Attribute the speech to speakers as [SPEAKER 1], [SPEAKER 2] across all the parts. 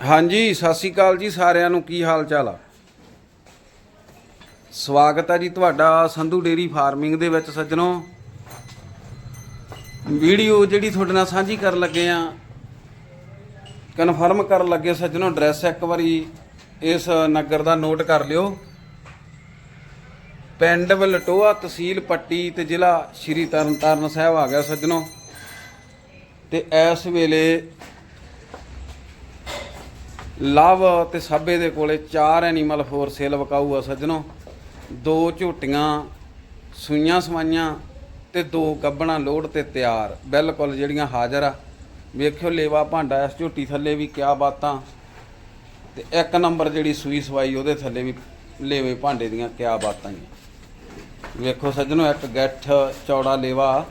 [SPEAKER 1] ਹਾਂਜੀ ਸਤਿ ਸ਼੍ਰੀ ਅਕਾਲ ਜੀ ਸਾਰਿਆਂ ਨੂੰ। ਕੀ ਹਾਲ ਚਾਲ ਆ? ਸਵਾਗਤ ਹੈ ਜੀ ਤੁਹਾਡਾ ਸੰਧੂ ਡੇਰੀ ਫਾਰਮਿੰਗ ਦੇ ਵਿੱਚ। ਸੱਜਣੋ, ਵੀਡੀਓ ਜਿਹੜੀ ਤੁਹਾਡੇ ਨਾਲ ਸਾਂਝੀ ਕਰਨ ਲੱਗੇ ਆ, ਕਨਫਰਮ ਕਰਨ ਲੱਗੇ ਸੱਜਣੋ, ਐਡਰੈਸ ਇੱਕ ਵਾਰੀ ਇਸ ਨਗਰ ਦਾ ਨੋਟ ਕਰ ਲਿਓ। ਪਿੰਡ ਵਲਟੋਆ, ਤਹਿਸੀਲ ਪੱਟੀ ਤੇ ਜ਼ਿਲ੍ਹਾ ਸ਼੍ਰੀ ਤਰਨਤਾਰਨ ਸਾਹਿਬ ਆ ਗਿਆ ਸੱਜਣੋ। ਤੇ ਇਸ ਵੇਲੇ ਲਵ ਤੇ ਸਾਬੇ ਦੇ ਕੋਲੇ 4 ਐਨੀਮਲ ਫੋਰ ਸੇਲ ਵਿਕਾਊ ਆ ਸੱਜਣੋ। 2 ਝੋਟੀਆਂ ਸੂਈਆਂ ਸਵਾਈਆਂ ਤੇ 2 ਗੱਭਣਾ ਲੋਡ ਤੇ ਤਿਆਰ, ਬਿਲਕੁਲ ਜਿਹੜੀਆਂ ਹਾਜ਼ਰ ਆ। ਵੇਖਿਓ ਲੇਵਾ ਭਾਂਡਾ ਇਸ ਝੋਟੀ ਥੱਲੇ ਵੀ ਕਿਆ ਬਾਤਾਂ, ਤੇ 1 ਨੰਬਰ ਜਿਹੜੀ ਸੂਈ ਸਵਾਈ ਉਹਦੇ ਥੱਲੇ ਵੀ ਲੇਵੇ ਭਾਂਡੇ ਦੀਆਂ ਕਿਆ ਬਾਤਾਂ ਹੀ। ਵੇਖੋ ਸੱਜਣੋ, ਇੱਕ ਗੱਠ ਚੌੜਾ ਲੇਵਾ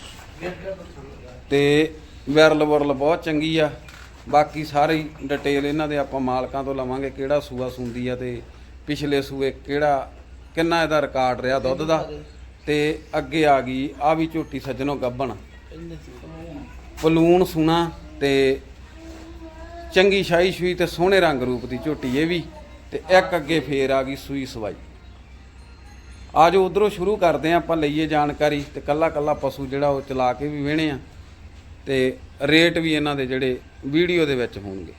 [SPEAKER 1] ਤੇ ਵਿਰਲ ਵੁਰਲ ਬਹੁਤ ਚੰਗੀ ਆ। ਬਾਕੀ ਸਾਰੀ ਡਿਟੇਲ ਇਹਨਾਂ ਦੇ ਆਪਾਂ ਮਾਲਕਾਂ ਤੋਂ ਲਵਾਂਗੇ, ਕਿਹੜਾ ਸੂਆ ਸੁੰਦੀ ਆ ਤੇ ਪਿਛਲੇ ਸੂਏ ਕਿੰਨਾ ਇਹਦਾ ਰਿਕਾਰਡ ਰਿਹਾ ਦੁੱਧ ਦਾ। ਤੇ ਅੱਗੇ ਆ ਗਈ ਆ ਵੀ ਝੋਟੀ ਸੱਜਣੋ, ਗੱਭਣ ਪਲੂਣ ਸੂਣਾ ਤੇ ਚੰਗੀ ਸ਼ਾਹੀ ਸ਼ੂਈ ਤੇ ਸੋਹਣੇ ਰੰਗ ਰੂਪ ਦੀ ਝੋਟੀ ਇਹ ਵੀ। ਤੇ ਇੱਕ ਅੱਗੇ ਫੇਰ ਆ ਗਈ ਸੂਈ ਸਵਾਈ। ਆ ਜੋ ਉਧਰੋਂ ਸ਼ੁਰੂ ਕਰਦੇ ਆ ਆਪਾਂ, ਲਈਏ ਜਾਣਕਾਰੀ ਤੇ ਕੱਲਾ ਕੱਲਾ ਪਸ਼ੂ ਜਿਹੜਾ ਉਹ ਚਲਾ ਕੇ ਵੀ ਵੇਹਣੇ ਆ ਤੇ ਰੇਟ ਵੀ ਇਹਨਾਂ ਦੇ ਜਿਹੜੇ ਵੀਡੀਓ ਦੇ ਵਿੱਚ ਹੋਣਗੇ।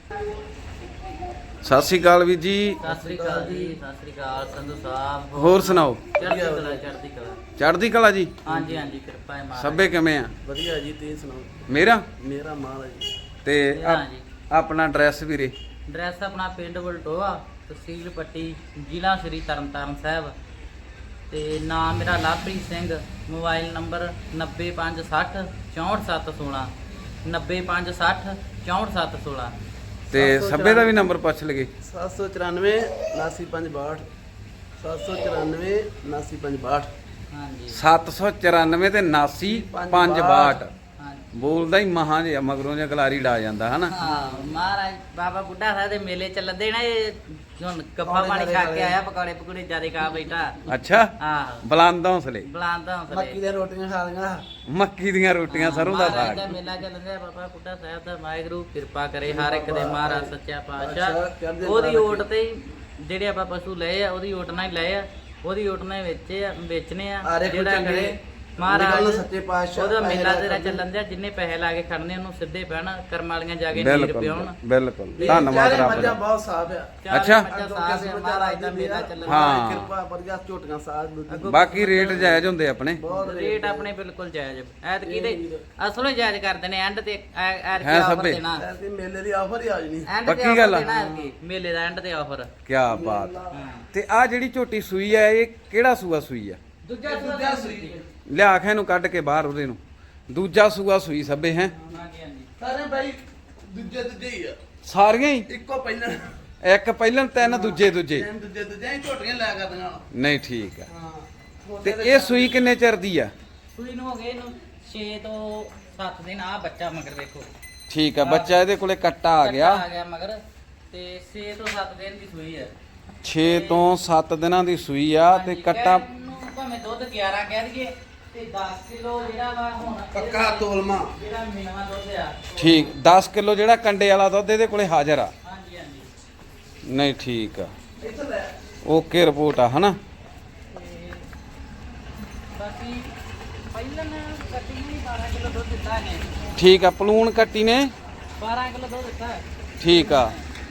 [SPEAKER 1] ਸਤਿ ਸ਼੍ਰੀ ਅਕਾਲ ਵੀਰ ਜੀ।
[SPEAKER 2] ਸਤਿ ਸ਼੍ਰੀ ਅਕਾਲ ਜੀ। ਸਤਿ ਸ਼੍ਰੀ ਅਕਾਲ ਸੰਧੂ ਸਾਹਿਬ।
[SPEAKER 1] ਹੋਰ ਸੁਣਾਓ?
[SPEAKER 2] ਚੜ੍ਹਦੀ ਕਲਾ, ਚੜ੍ਹਦੀ ਕਲਾ।
[SPEAKER 1] ਚੜ੍ਹਦੀ ਕਲਾ ਜੀ।
[SPEAKER 2] ਹਾਂਜੀ ਹਾਂਜੀ, ਕਿਰਪਾ ਹੈ ਮਹਾਰਾਜ।
[SPEAKER 1] ਸਭੇ ਕਿਵੇਂ ਆ?
[SPEAKER 3] ਵਧੀਆ ਜੀ, ਤੁਸੀਂ ਸੁਣਾਓ?
[SPEAKER 1] ਮੇਰਾ
[SPEAKER 3] ਮਾਲ ਹੈ ਜੀ।
[SPEAKER 1] ਤੇ
[SPEAKER 2] ਹਾਂਜੀ,
[SPEAKER 1] ਆਪਣਾ ਐਡਰੈਸ ਵੀਰੇ?
[SPEAKER 2] ਐਡਰੈਸ ਆਪਣਾ ਪਿੰਡ ਵਲਟੋਆ, ਤਹਿਸੀਲ ਪੱਟੀ, ਜ਼ਿਲ੍ਹਾ ਸ਼੍ਰੀ ਤਰਨਤਾਰਨ ਸਾਹਿਬ। ਤੇ ਨਾਮ ਮੇਰਾ ਲਵਪ੍ਰੀਤ ਸਿੰਘ। Mobile number 9560 64716 9560 64716।
[SPEAKER 1] ਤੇ ਸਭੇ ਦਾ ਵੀ ਨੰਬਰ ਪੁੱਛ ਲਗੇ।
[SPEAKER 3] 794 79562 794 79562।
[SPEAKER 2] ਹਾਂਜੀ
[SPEAKER 1] 794 ਤੇ 79
[SPEAKER 2] ਹਾਂਜੀ।
[SPEAKER 1] ਬੋਲਦਾ ਹੀ ਮਹਾਂ ਜਿਹਾ ਮਗਰੋਂ ਜਿਹਾ ਗਲਾਰੀ ਡਾ ਜਾਂਦਾ ਹਨਾ।
[SPEAKER 2] ਹਾਂ, ਮਹਾਰਾਜ ਬਾਬਾ ਬੁੱਢਾ ਸਾਹਿਬ ਦੇ ਮੇਲੇ ਚੱਲਦੇ ਨਾ, ਇਹ ਹੁਣ ਗੱਫਾ ਪਾਣੀ ਖਾ ਕੇ ਆਇਆ, ਪਕੌੜੇ ਪਕੌੜੇ ਜਿਆਦੇ ਖਾ ਬੈਠਾ।
[SPEAKER 1] ਅੱਛਾ,
[SPEAKER 2] ਆਹ
[SPEAKER 1] ਬੁਲੰਦ ਹੌਸਲੇ।
[SPEAKER 2] ਬੁਲੰਦ ਹੌਸਲੇ।
[SPEAKER 3] ਮੱਕੀ ਦੀਆਂ ਰੋਟੀਆਂ ਖਾ ਲਈਆਂ।
[SPEAKER 1] ਮੱਕੀ ਦੀਆਂ ਰੋਟੀਆਂ, ਸਰੋਂ ਦਾ
[SPEAKER 2] ਮਹਾਰਾਜ
[SPEAKER 1] ਸਾਗ।
[SPEAKER 2] ਮੇਲਾ ਚੱਲਦਾ, ਬਾਬਾ ਬੁੱਢਾ ਸਾਹਿਬ ਦਾ ਵਾਹਿਗੁਰੂ ਕਿਰਪਾ ਕਰੇ ਹਰ ਇੱਕ ਦੇ, ਮਹਾਰਾਜ ਸੱਚਾ ਪਾਤਸ਼ਾਹ। ਉਹਦੀ ਓਟ ਤੇ ਹੀ ਜਿਹੜੇ ਆਪਾਂ ਪਸ਼ੂ ਲਏ ਆ, ਉਹਦੀ ਓਟ ਨਾਲ ਹੀ ਲਏ ਆ, ਉਹਦੀ ਓਟ ਨਾਲ ਵੇਚਣੇ ਆ। ਜਿਹੜਾ ਕਰੇ ਮਹਾਰਾਜ
[SPEAKER 3] ਸੱਚੇ ਪਾਤਸ਼ਾਹ
[SPEAKER 2] ਉਹਦਾ ਮੇਲਾ ਤੇਰਾ ਚੱਲਣ ਦਿਆ, ਜਿੰਨੇ ਪੈਸੇ ਲਾ ਕੇ ਖੜਨੇ ਉਹਨੂੰ ਸਿੱਧੇ ਪੈਣ, ਕਰਮ ਵਾਲੀਆਂ ਜਾ ਕੇ ਨੀਰ ਪਿਉਣ।
[SPEAKER 1] ਬਿਲਕੁਲ ਧੰਨਵਾਦ ਰੱਬ ਦਾ।
[SPEAKER 3] ਬਹੁਤ ਸਾਫ ਆ।
[SPEAKER 1] ਅੱਛਾ।
[SPEAKER 2] ਮਹਾਰਾਜ ਦਾ ਮੇਲਾ ਚੱਲਣ
[SPEAKER 1] ਹਾਂ।
[SPEAKER 3] ਕਿਰਪਾ ਵਧੀਆ, ਝੋਟੀਆਂ ਸਾਜ।
[SPEAKER 1] ਬਾਕੀ ਰੇਟ ਜਾਇਜ਼ ਹੁੰਦੇ ਆਪਣੇ।
[SPEAKER 2] ਰੇਟ ਆਪਣੇ ਬਿਲਕੁਲ ਜਾਇਜ਼। ਐਤਕੀ ਦੇ ਅਸਲੋਂ ਜਾਇਜ਼ ਕਰਦੇ ਨੇ, ਐਂਡ ਤੇ
[SPEAKER 1] ਹੈ
[SPEAKER 2] ਆਫਰ
[SPEAKER 1] ਸਭੇ।
[SPEAKER 2] ਦੇਣਾ।
[SPEAKER 3] ਐਸੀ ਮੇਲੇ ਦੀ ਆਫਰ ਹੀ ਆ ਜਣੀ।
[SPEAKER 2] ਐਂਡ
[SPEAKER 1] ਪੱਕੀ
[SPEAKER 2] ਤੇ
[SPEAKER 1] ਗੱਲ
[SPEAKER 2] ਆਫਰ
[SPEAKER 1] ਆ।
[SPEAKER 2] ਦੇਣਾ ਐਤਕੀ, ਮੇਲੇ ਦਾ ਐਂਡ ਤੇ ਆਫਰ।
[SPEAKER 1] ਕੀ ਬਾਤ। ਤੇ ਆ ਜਿਹੜੀ ਝੋਟੀ ਸੂਈ ਆ, ਇਹ ਕਿਹੜਾ ਸੂਆ ਸੂਈ ਆ?
[SPEAKER 2] ਦੂਜਾ ਸੂਈ।
[SPEAKER 1] ਲਿਆ ਕੇ ਇਹਨੂੰ ਕੱਢ ਕੇ ਬਾਹਰ ਉਹਦੇ ਨੂੰ। ਦੂਜਾ ਸੂਆ ਸੂਈ ਸਭੇ ਹੈ।
[SPEAKER 2] ਹਾਂਜੀ ਹਾਂਜੀ।
[SPEAKER 3] ਸਾਰੇ ਭਾਈ ਦੂਜੇ ਹੀ ਆ,
[SPEAKER 1] ਸਾਰੀਆਂ ਹੀ
[SPEAKER 3] ਇੱਕੋ ਪਹਿਲਾਂ
[SPEAKER 1] ਇੱਕ ਪਹਿਲਾਂ, 3 ਦੂਜੇ
[SPEAKER 3] ਦੂਜੇ ਹੀ ਝੋਟੀਆਂ ਲੈ ਕਰਦੀਆਂ।
[SPEAKER 1] ਨਹੀਂ ਠੀਕ ਆ।
[SPEAKER 3] ਹਾਂ।
[SPEAKER 1] ਤੇ ਇਹ ਸੂਈ ਕਿੰਨੇ ਚਿਰ ਦੀ ਆ?
[SPEAKER 2] ਸੂਈ ਨੂੰ ਹੋ ਗਏ ਇਹਨੂੰ 6 ਤੋਂ 7 ਦਿਨ। ਆ ਬੱਚਾ ਮਗਰ ਵੇਖੋ।
[SPEAKER 1] ਠੀਕ ਆ, ਬੱਚਾ ਇਹਦੇ ਕੋਲੇ ਕੱਟਾ ਆ ਗਿਆ।
[SPEAKER 2] ਆ ਗਿਆ ਮਗਰ, ਤੇ 6 ਤੋਂ 7 ਦਿਨ ਦੀ ਸੂਈ ਆ।
[SPEAKER 1] 6 ਤੋਂ 7 ਦਿਨਾਂ ਦੀ ਸੂਈ ਆ ਤੇ ਕੱਟਾ।
[SPEAKER 2] ਨੂੰ ਭਾਵੇਂ ਦੁੱਧ 11 ਕਹਿ ਦਈਏ ਤੇ 10 ਕਿਲੋ ਜਿਹੜਾ ਵਾ ਹੁਣ
[SPEAKER 3] ਪੱਕਾ ਤੋਲਮਾ।
[SPEAKER 2] ਜਿਹੜਾ ਮਿਲਵਾ ਦੁੱਧ ਆ।
[SPEAKER 1] ਠੀਕ, 10 ਕਿਲੋ ਜਿਹੜਾ ਕੰਡੇ ਵਾਲਾ ਦੁੱਧ ਇਹਦੇ ਕੋਲੇ ਹਾਜ਼ਰ ਆ।
[SPEAKER 2] ਹਾਂਜੀ ਹਾਂਜੀ।
[SPEAKER 1] ਨਹੀਂ ਠੀਕ ਆ,
[SPEAKER 3] ਇੱਥੇ ਲੈ।
[SPEAKER 1] ਓਕੇ ਰਿਪੋਰਟ ਆ ਹਨਾ।
[SPEAKER 2] ਤੇ ਬਾਕੀ ਪਹਿਲਾਂ ਕੱਟੀ ਨੇ 12 ਕਿਲੋ ਦੁੱਧ ਦਿੱਤਾ ਨੇ।
[SPEAKER 1] ਠੀਕ ਆ, ਪਲੂਣ ਕੱਟੀ ਨੇ
[SPEAKER 2] 12 ਕਿਲੋ ਦੁੱਧ ਦਿੱਤਾ।
[SPEAKER 1] ਠੀਕ ਆ।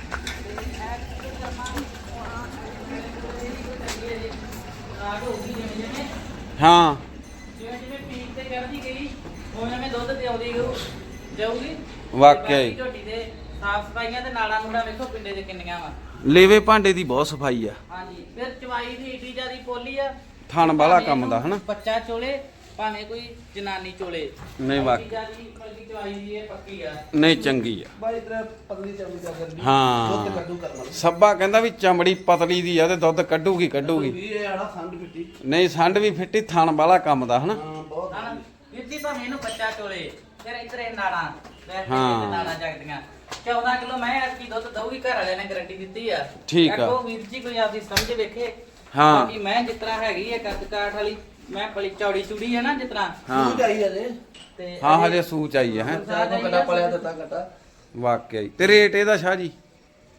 [SPEAKER 1] ਹਾਂ
[SPEAKER 2] ਜਿਵੇਂ ਜਿਵੇਂ ਪੀਕ ਤੇ ਕਰਦੀ ਗਈ, ਉਵੇਂ ਉਵੇਂ ਦੁੱਧ ਤੇ ਆਉਂਦੀ ਜਾਊਗੀ।
[SPEAKER 1] ਵਾਕਿਆ ਹੀ।
[SPEAKER 2] ਝੋਟੀ ਦੇ ਸਾਫ ਸਫਾਈਆਂ ਤੇ ਨਾਲਾਂ ਨੂੜਾ ਵੇਖੋ ਪਿੰਡੇ ਦੇ ਕਿੰਨੀਆਂ ਵਾ।
[SPEAKER 1] ਲੇਵੇ ਭਾਂਡੇ ਦੀ ਬਹੁਤ ਸਫਾਈ ਆ।
[SPEAKER 2] ਹਾਂਜੀ, ਫਿਰ ਚਵਾਈ ਦੀ ਏਡੀ ਜਿਆਦੀ ਪੋਲੀ ਆ।
[SPEAKER 1] ਥਣ ਵਾਲਾ ਕੰਮ ਦਾ ਹਨਾ।
[SPEAKER 2] ਬੱਚਾ ਚੋਲੇ ਭਾਵੇਂ ਕੋਈ ਜਨਾਨੀ ਚੋਲੇ।
[SPEAKER 1] ਨਹੀਂ ਵਾਕਿਆ
[SPEAKER 2] ਜਿਆਦੀ ਪੱਕੀ ਚਵਾਈ ਦੀ ਇਹ ਪੱਕੀ ਆ।
[SPEAKER 1] ਨਹੀਂ ਚੰਗੀ ਆ।
[SPEAKER 3] ਬਾਈ ਤੇਰਾ ਪਤਲੀ ਚਮੜੀ ਦਾ ਕਰਦੀ।
[SPEAKER 1] ਹਾਂ।
[SPEAKER 3] ਦੁੱਧ ਕੱਢੂ ਕਰਨਾ।
[SPEAKER 1] ਸੱਬਾ ਕਹਿੰਦਾ ਵੀ ਚਮੜੀ ਪਤਲੀ ਦੀ ਆ ਤੇ ਦੁੱਧ ਕੱਢੂਗੀ।
[SPEAKER 3] ਇਹ ਆੜਾ ਸੰਡ ਪਿੱਟੀ।
[SPEAKER 1] ਨਹੀਂ ਸੰਡ ਵੀ ਫਿੱਟੀ, ਥਣ ਵਾਲਾ ਕੰਮ ਦਾ ਹਨਾ।
[SPEAKER 3] ਹਾਂ ਬਹੁਤ।
[SPEAKER 2] ਹਨਾ ਵੀਰ ਜੀ, ਭਾਵੇਂ ਇਹਨੂੰ ਬੱਚਾ ਚੋਲੇ, ਫਿਰ ਇੱਧਰ ਇਹ ਨਾੜਾਂ ਵੈਸੇ
[SPEAKER 1] ਹਾਂ।
[SPEAKER 2] ਨਾੜਾਂ ਜਗਦੀਆਂ। 14 ਕਿਲੋ ਮੈਂ ਐਤਕੀ ਦੁੱਧ ਦਊਗੀ, ਘਰ ਵਾਲਿਆਂ ਨੇ ਗਾਰੰਟੀ ਦਿੱਤੀ ਆ।
[SPEAKER 1] ਠੀਕ ਆ।
[SPEAKER 2] ਦੇਖੋ ਵੀਰ ਜੀ, ਕੋਈ ਆਪਦੀ ਸਮਝ ਵੇਖੇ।
[SPEAKER 1] ਹਾਂ।
[SPEAKER 2] ਬਾਕੀ ਮੈਂ ਜਿਸ ਤਰ੍ਹਾਂ ਹੈਗੀ ਆ ਕੱਦ ਕਾਠ ਵਾਲੀ, ਮੈਂ ਬੜੀ ਚੌੜੀ ਚੂੜੀ ਹੈ ਨਾ ਜਿਸ ਤਰ੍ਹਾਂ,
[SPEAKER 1] ਹਾਂ
[SPEAKER 3] ਤੂੰ ਚਾਹੀਦਾ ਜੇ।
[SPEAKER 2] ਤੇ
[SPEAKER 1] ਹਾਂ ਹਜੇ ਸੂਚ ਆਈ ਹੈ।
[SPEAKER 3] ਸਾਡਾ ਕਟਾ ਪਲਿਆ ਦਿੱਤਾ ਕਟਾ।
[SPEAKER 1] ਵਾਕਿਆ ਹੀ। ਤੇ ਰੇਟ ਇਹਦਾ ਸ਼ਾਹ ਜੀ?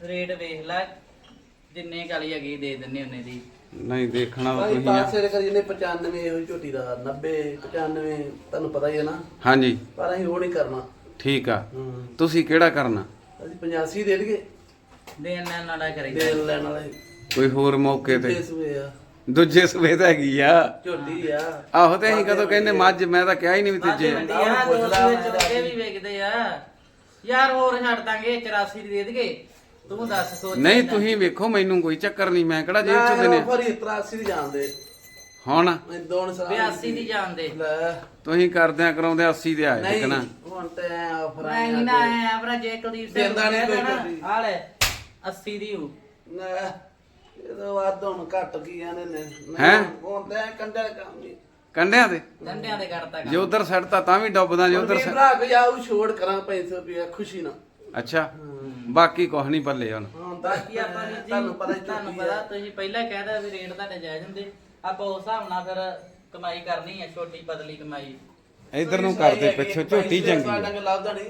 [SPEAKER 2] ਰੇਟ ਵੇਖ ਲੈ, ਜਿੰਨੇ ਕਾਲੀ ਹੈਗੀ ਦੇ ਦਿੰਨੇ ਉਹਨੇ ਦੀ।
[SPEAKER 1] ਨਹੀਂ ਦੇਖਣਾ ਤਾਂ
[SPEAKER 3] ਭਾਈ
[SPEAKER 1] ਤੁਸੀਂ ਆ।
[SPEAKER 3] ਪਾਸੇ ਕਰੀ ਨੇ 95 ਇਹੋ ਹੀ ਝੋਟੀ ਦਾ 90 95 ਤੁਹਾਨੂੰ ਪਤਾ ਹੀ ਹੈ ਨਾ,
[SPEAKER 1] ਹਾਂਜੀ
[SPEAKER 3] ਪਰ ਅਸੀਂ ਉਹ ਨਹੀਂ ਕਰਨਾ।
[SPEAKER 1] ਠੀਕ ਆ।
[SPEAKER 3] ਹੂੰ
[SPEAKER 1] ਤੁਸੀਂ ਕਿਹੜਾ ਕਰਨਾ?
[SPEAKER 3] ਅਸੀਂ 85 ਦੇ ਦਈਏ,
[SPEAKER 2] ਦੇਣ ਲੈਣ ਵਾਲਾ ਕਰੀਦਾ।
[SPEAKER 3] ਦੇਣ ਲੈਣ ਵਾਲੇ
[SPEAKER 1] ਕੋਈ ਹੋਰ ਮੌਕੇ ਤੇ
[SPEAKER 3] ਇਸ ਵੇ ਆ
[SPEAKER 1] ਦੂਜੇ ਸਵੇਤ ਹੈਗੀ ਆ।
[SPEAKER 3] ਝੋਟੀ ਆ।
[SPEAKER 1] ਆਹੋ ਤੇ ਅਸੀਂ ਕਦੋਂ ਕਹਿੰਦੇ ਮੱਝ, ਮੈਂ ਤਾਂ ਕਿਹਾ ਹੀ ਨਹੀਂ ਵੀ
[SPEAKER 2] ਮਾਝੇ
[SPEAKER 1] ਤੀਜੇ।
[SPEAKER 2] ਮੰਡੀ ਆ, ਦੋ ਸੂਏ ਚੋਕੇ ਵੀ ਵੇਚਦੇ ਆ ਯਾਰ। ਹੋਰ ਛੱਡ ਦਾਂਗੇ 84 ਦੀ ਦੇ ਦੇਗੇ, ਤੂੰ ਦੱਸ ਸੋਚ।
[SPEAKER 1] ਨਹੀਂ ਤੁਸੀਂ ਵੇਖੋ, ਮੈਨੂੰ ਕੋਈ ਚੱਕਰ ਨਹੀਂ, ਮੈਂ ਕਿਹੜਾ ਜੇਬ ਚ ਦੇਣੇ।
[SPEAKER 3] ਫਰੀ 83 ਦੀ ਜਾਣਦੇ
[SPEAKER 1] ਹੁਣ
[SPEAKER 3] ਮੈਂ ਦੋਨ ਸਲਾਹ
[SPEAKER 2] 82 ਦੀ ਜਾਣਦੇ।
[SPEAKER 3] ਲੈ
[SPEAKER 1] ਤੁਸੀਂ ਕਰਦਿਆਂ ਕਰਾਉਂਦੇ 80 ਦੇ ਆਏ
[SPEAKER 3] ਨਹੀਂ
[SPEAKER 1] ਦੇਖਣਾ।
[SPEAKER 3] ਹੁਣ ਤੇ ਆਫਰ
[SPEAKER 2] ਮੈਂ ਹੀ ਨਾ ਆਇਆ ਭਰਾ, ਜੇ ਕੁਲਦੀਪ ਸਿੰਘ
[SPEAKER 3] ਦਿੰਦਾ ਨੀ ਕੋਈ
[SPEAKER 2] ਨਾ,
[SPEAKER 3] ਕੁਲਦੀਪ।
[SPEAKER 2] ਆ ਲੈ 80 ਦੀ ਹੂ।
[SPEAKER 3] ਨਾ ਇਹਦਾ ਵੱਧ ਹੁਣ ਘੱਟ ਕੀ ਆਨੇ ਨੇ।
[SPEAKER 1] ਹੈਂ?
[SPEAKER 3] ਹੁਣ ਤੇ ਕੰਡੇ ਕੰਮ ਨਹੀਂ।
[SPEAKER 1] ਕੰਡਿਆਂ ਤੇ
[SPEAKER 2] ਡੰਡਿਆਂ ਦੇ ਕਰਤਾ
[SPEAKER 1] ਜੇ
[SPEAKER 2] ਕੰਮ।
[SPEAKER 1] ਉਧਰ ਸੜਤਾ ਤਾਂ ਵੀ ਡੁੱਬਦਾ, ਜੇ ਉਧਰ
[SPEAKER 3] ਉਧਰ ਭਰਾ ਕੇ ਜਾਊ ਛੋੜ ਕਰਾਂ 500 ਰੁਪਏ ਖੁਸ਼ੀ ਨਾਲ।
[SPEAKER 1] ਅੱਛਾ ਬਾਕੀ ਕੁਛ ਨਹੀਂ ਪੱਲੇ ਹੁਣ।
[SPEAKER 3] ਹੁਣ
[SPEAKER 2] ਬਾਕੀ ਆਪਾਂ ਵੀ ਜੀ
[SPEAKER 3] ਤੁਹਾਨੂੰ ਪਤਾ ਹੀ
[SPEAKER 2] ਤੁਹਾਨੂੰ ਪਤਾ, ਤੁਸੀਂ ਪਹਿਲਾਂ ਕਹਿਦਾ ਵੀ ਰੇਟ ਤੁਹਾਡੇ ਜਾਇਜ਼ ਹੁੰਦੇ, ਆਪਾਂ ਉਸ ਹਿਸਾਬ ਨਾਲ ਫਿਰ ਕਮਾਈ ਕਰਨੀ ਹੈ, ਛੋਟੀ ਪਤਲੀ ਕਮਾਈ।
[SPEAKER 1] ਇਧਰ ਨੂੰ ਕਰਦੇ ਪਿੱਛੋਂ ਝੋਟੀ ਚੰਗੀ
[SPEAKER 3] ਸਾਡਾ
[SPEAKER 1] ਆ।
[SPEAKER 3] ਕੋਈ ਲੱਭਦਾ ਨਹੀਂ।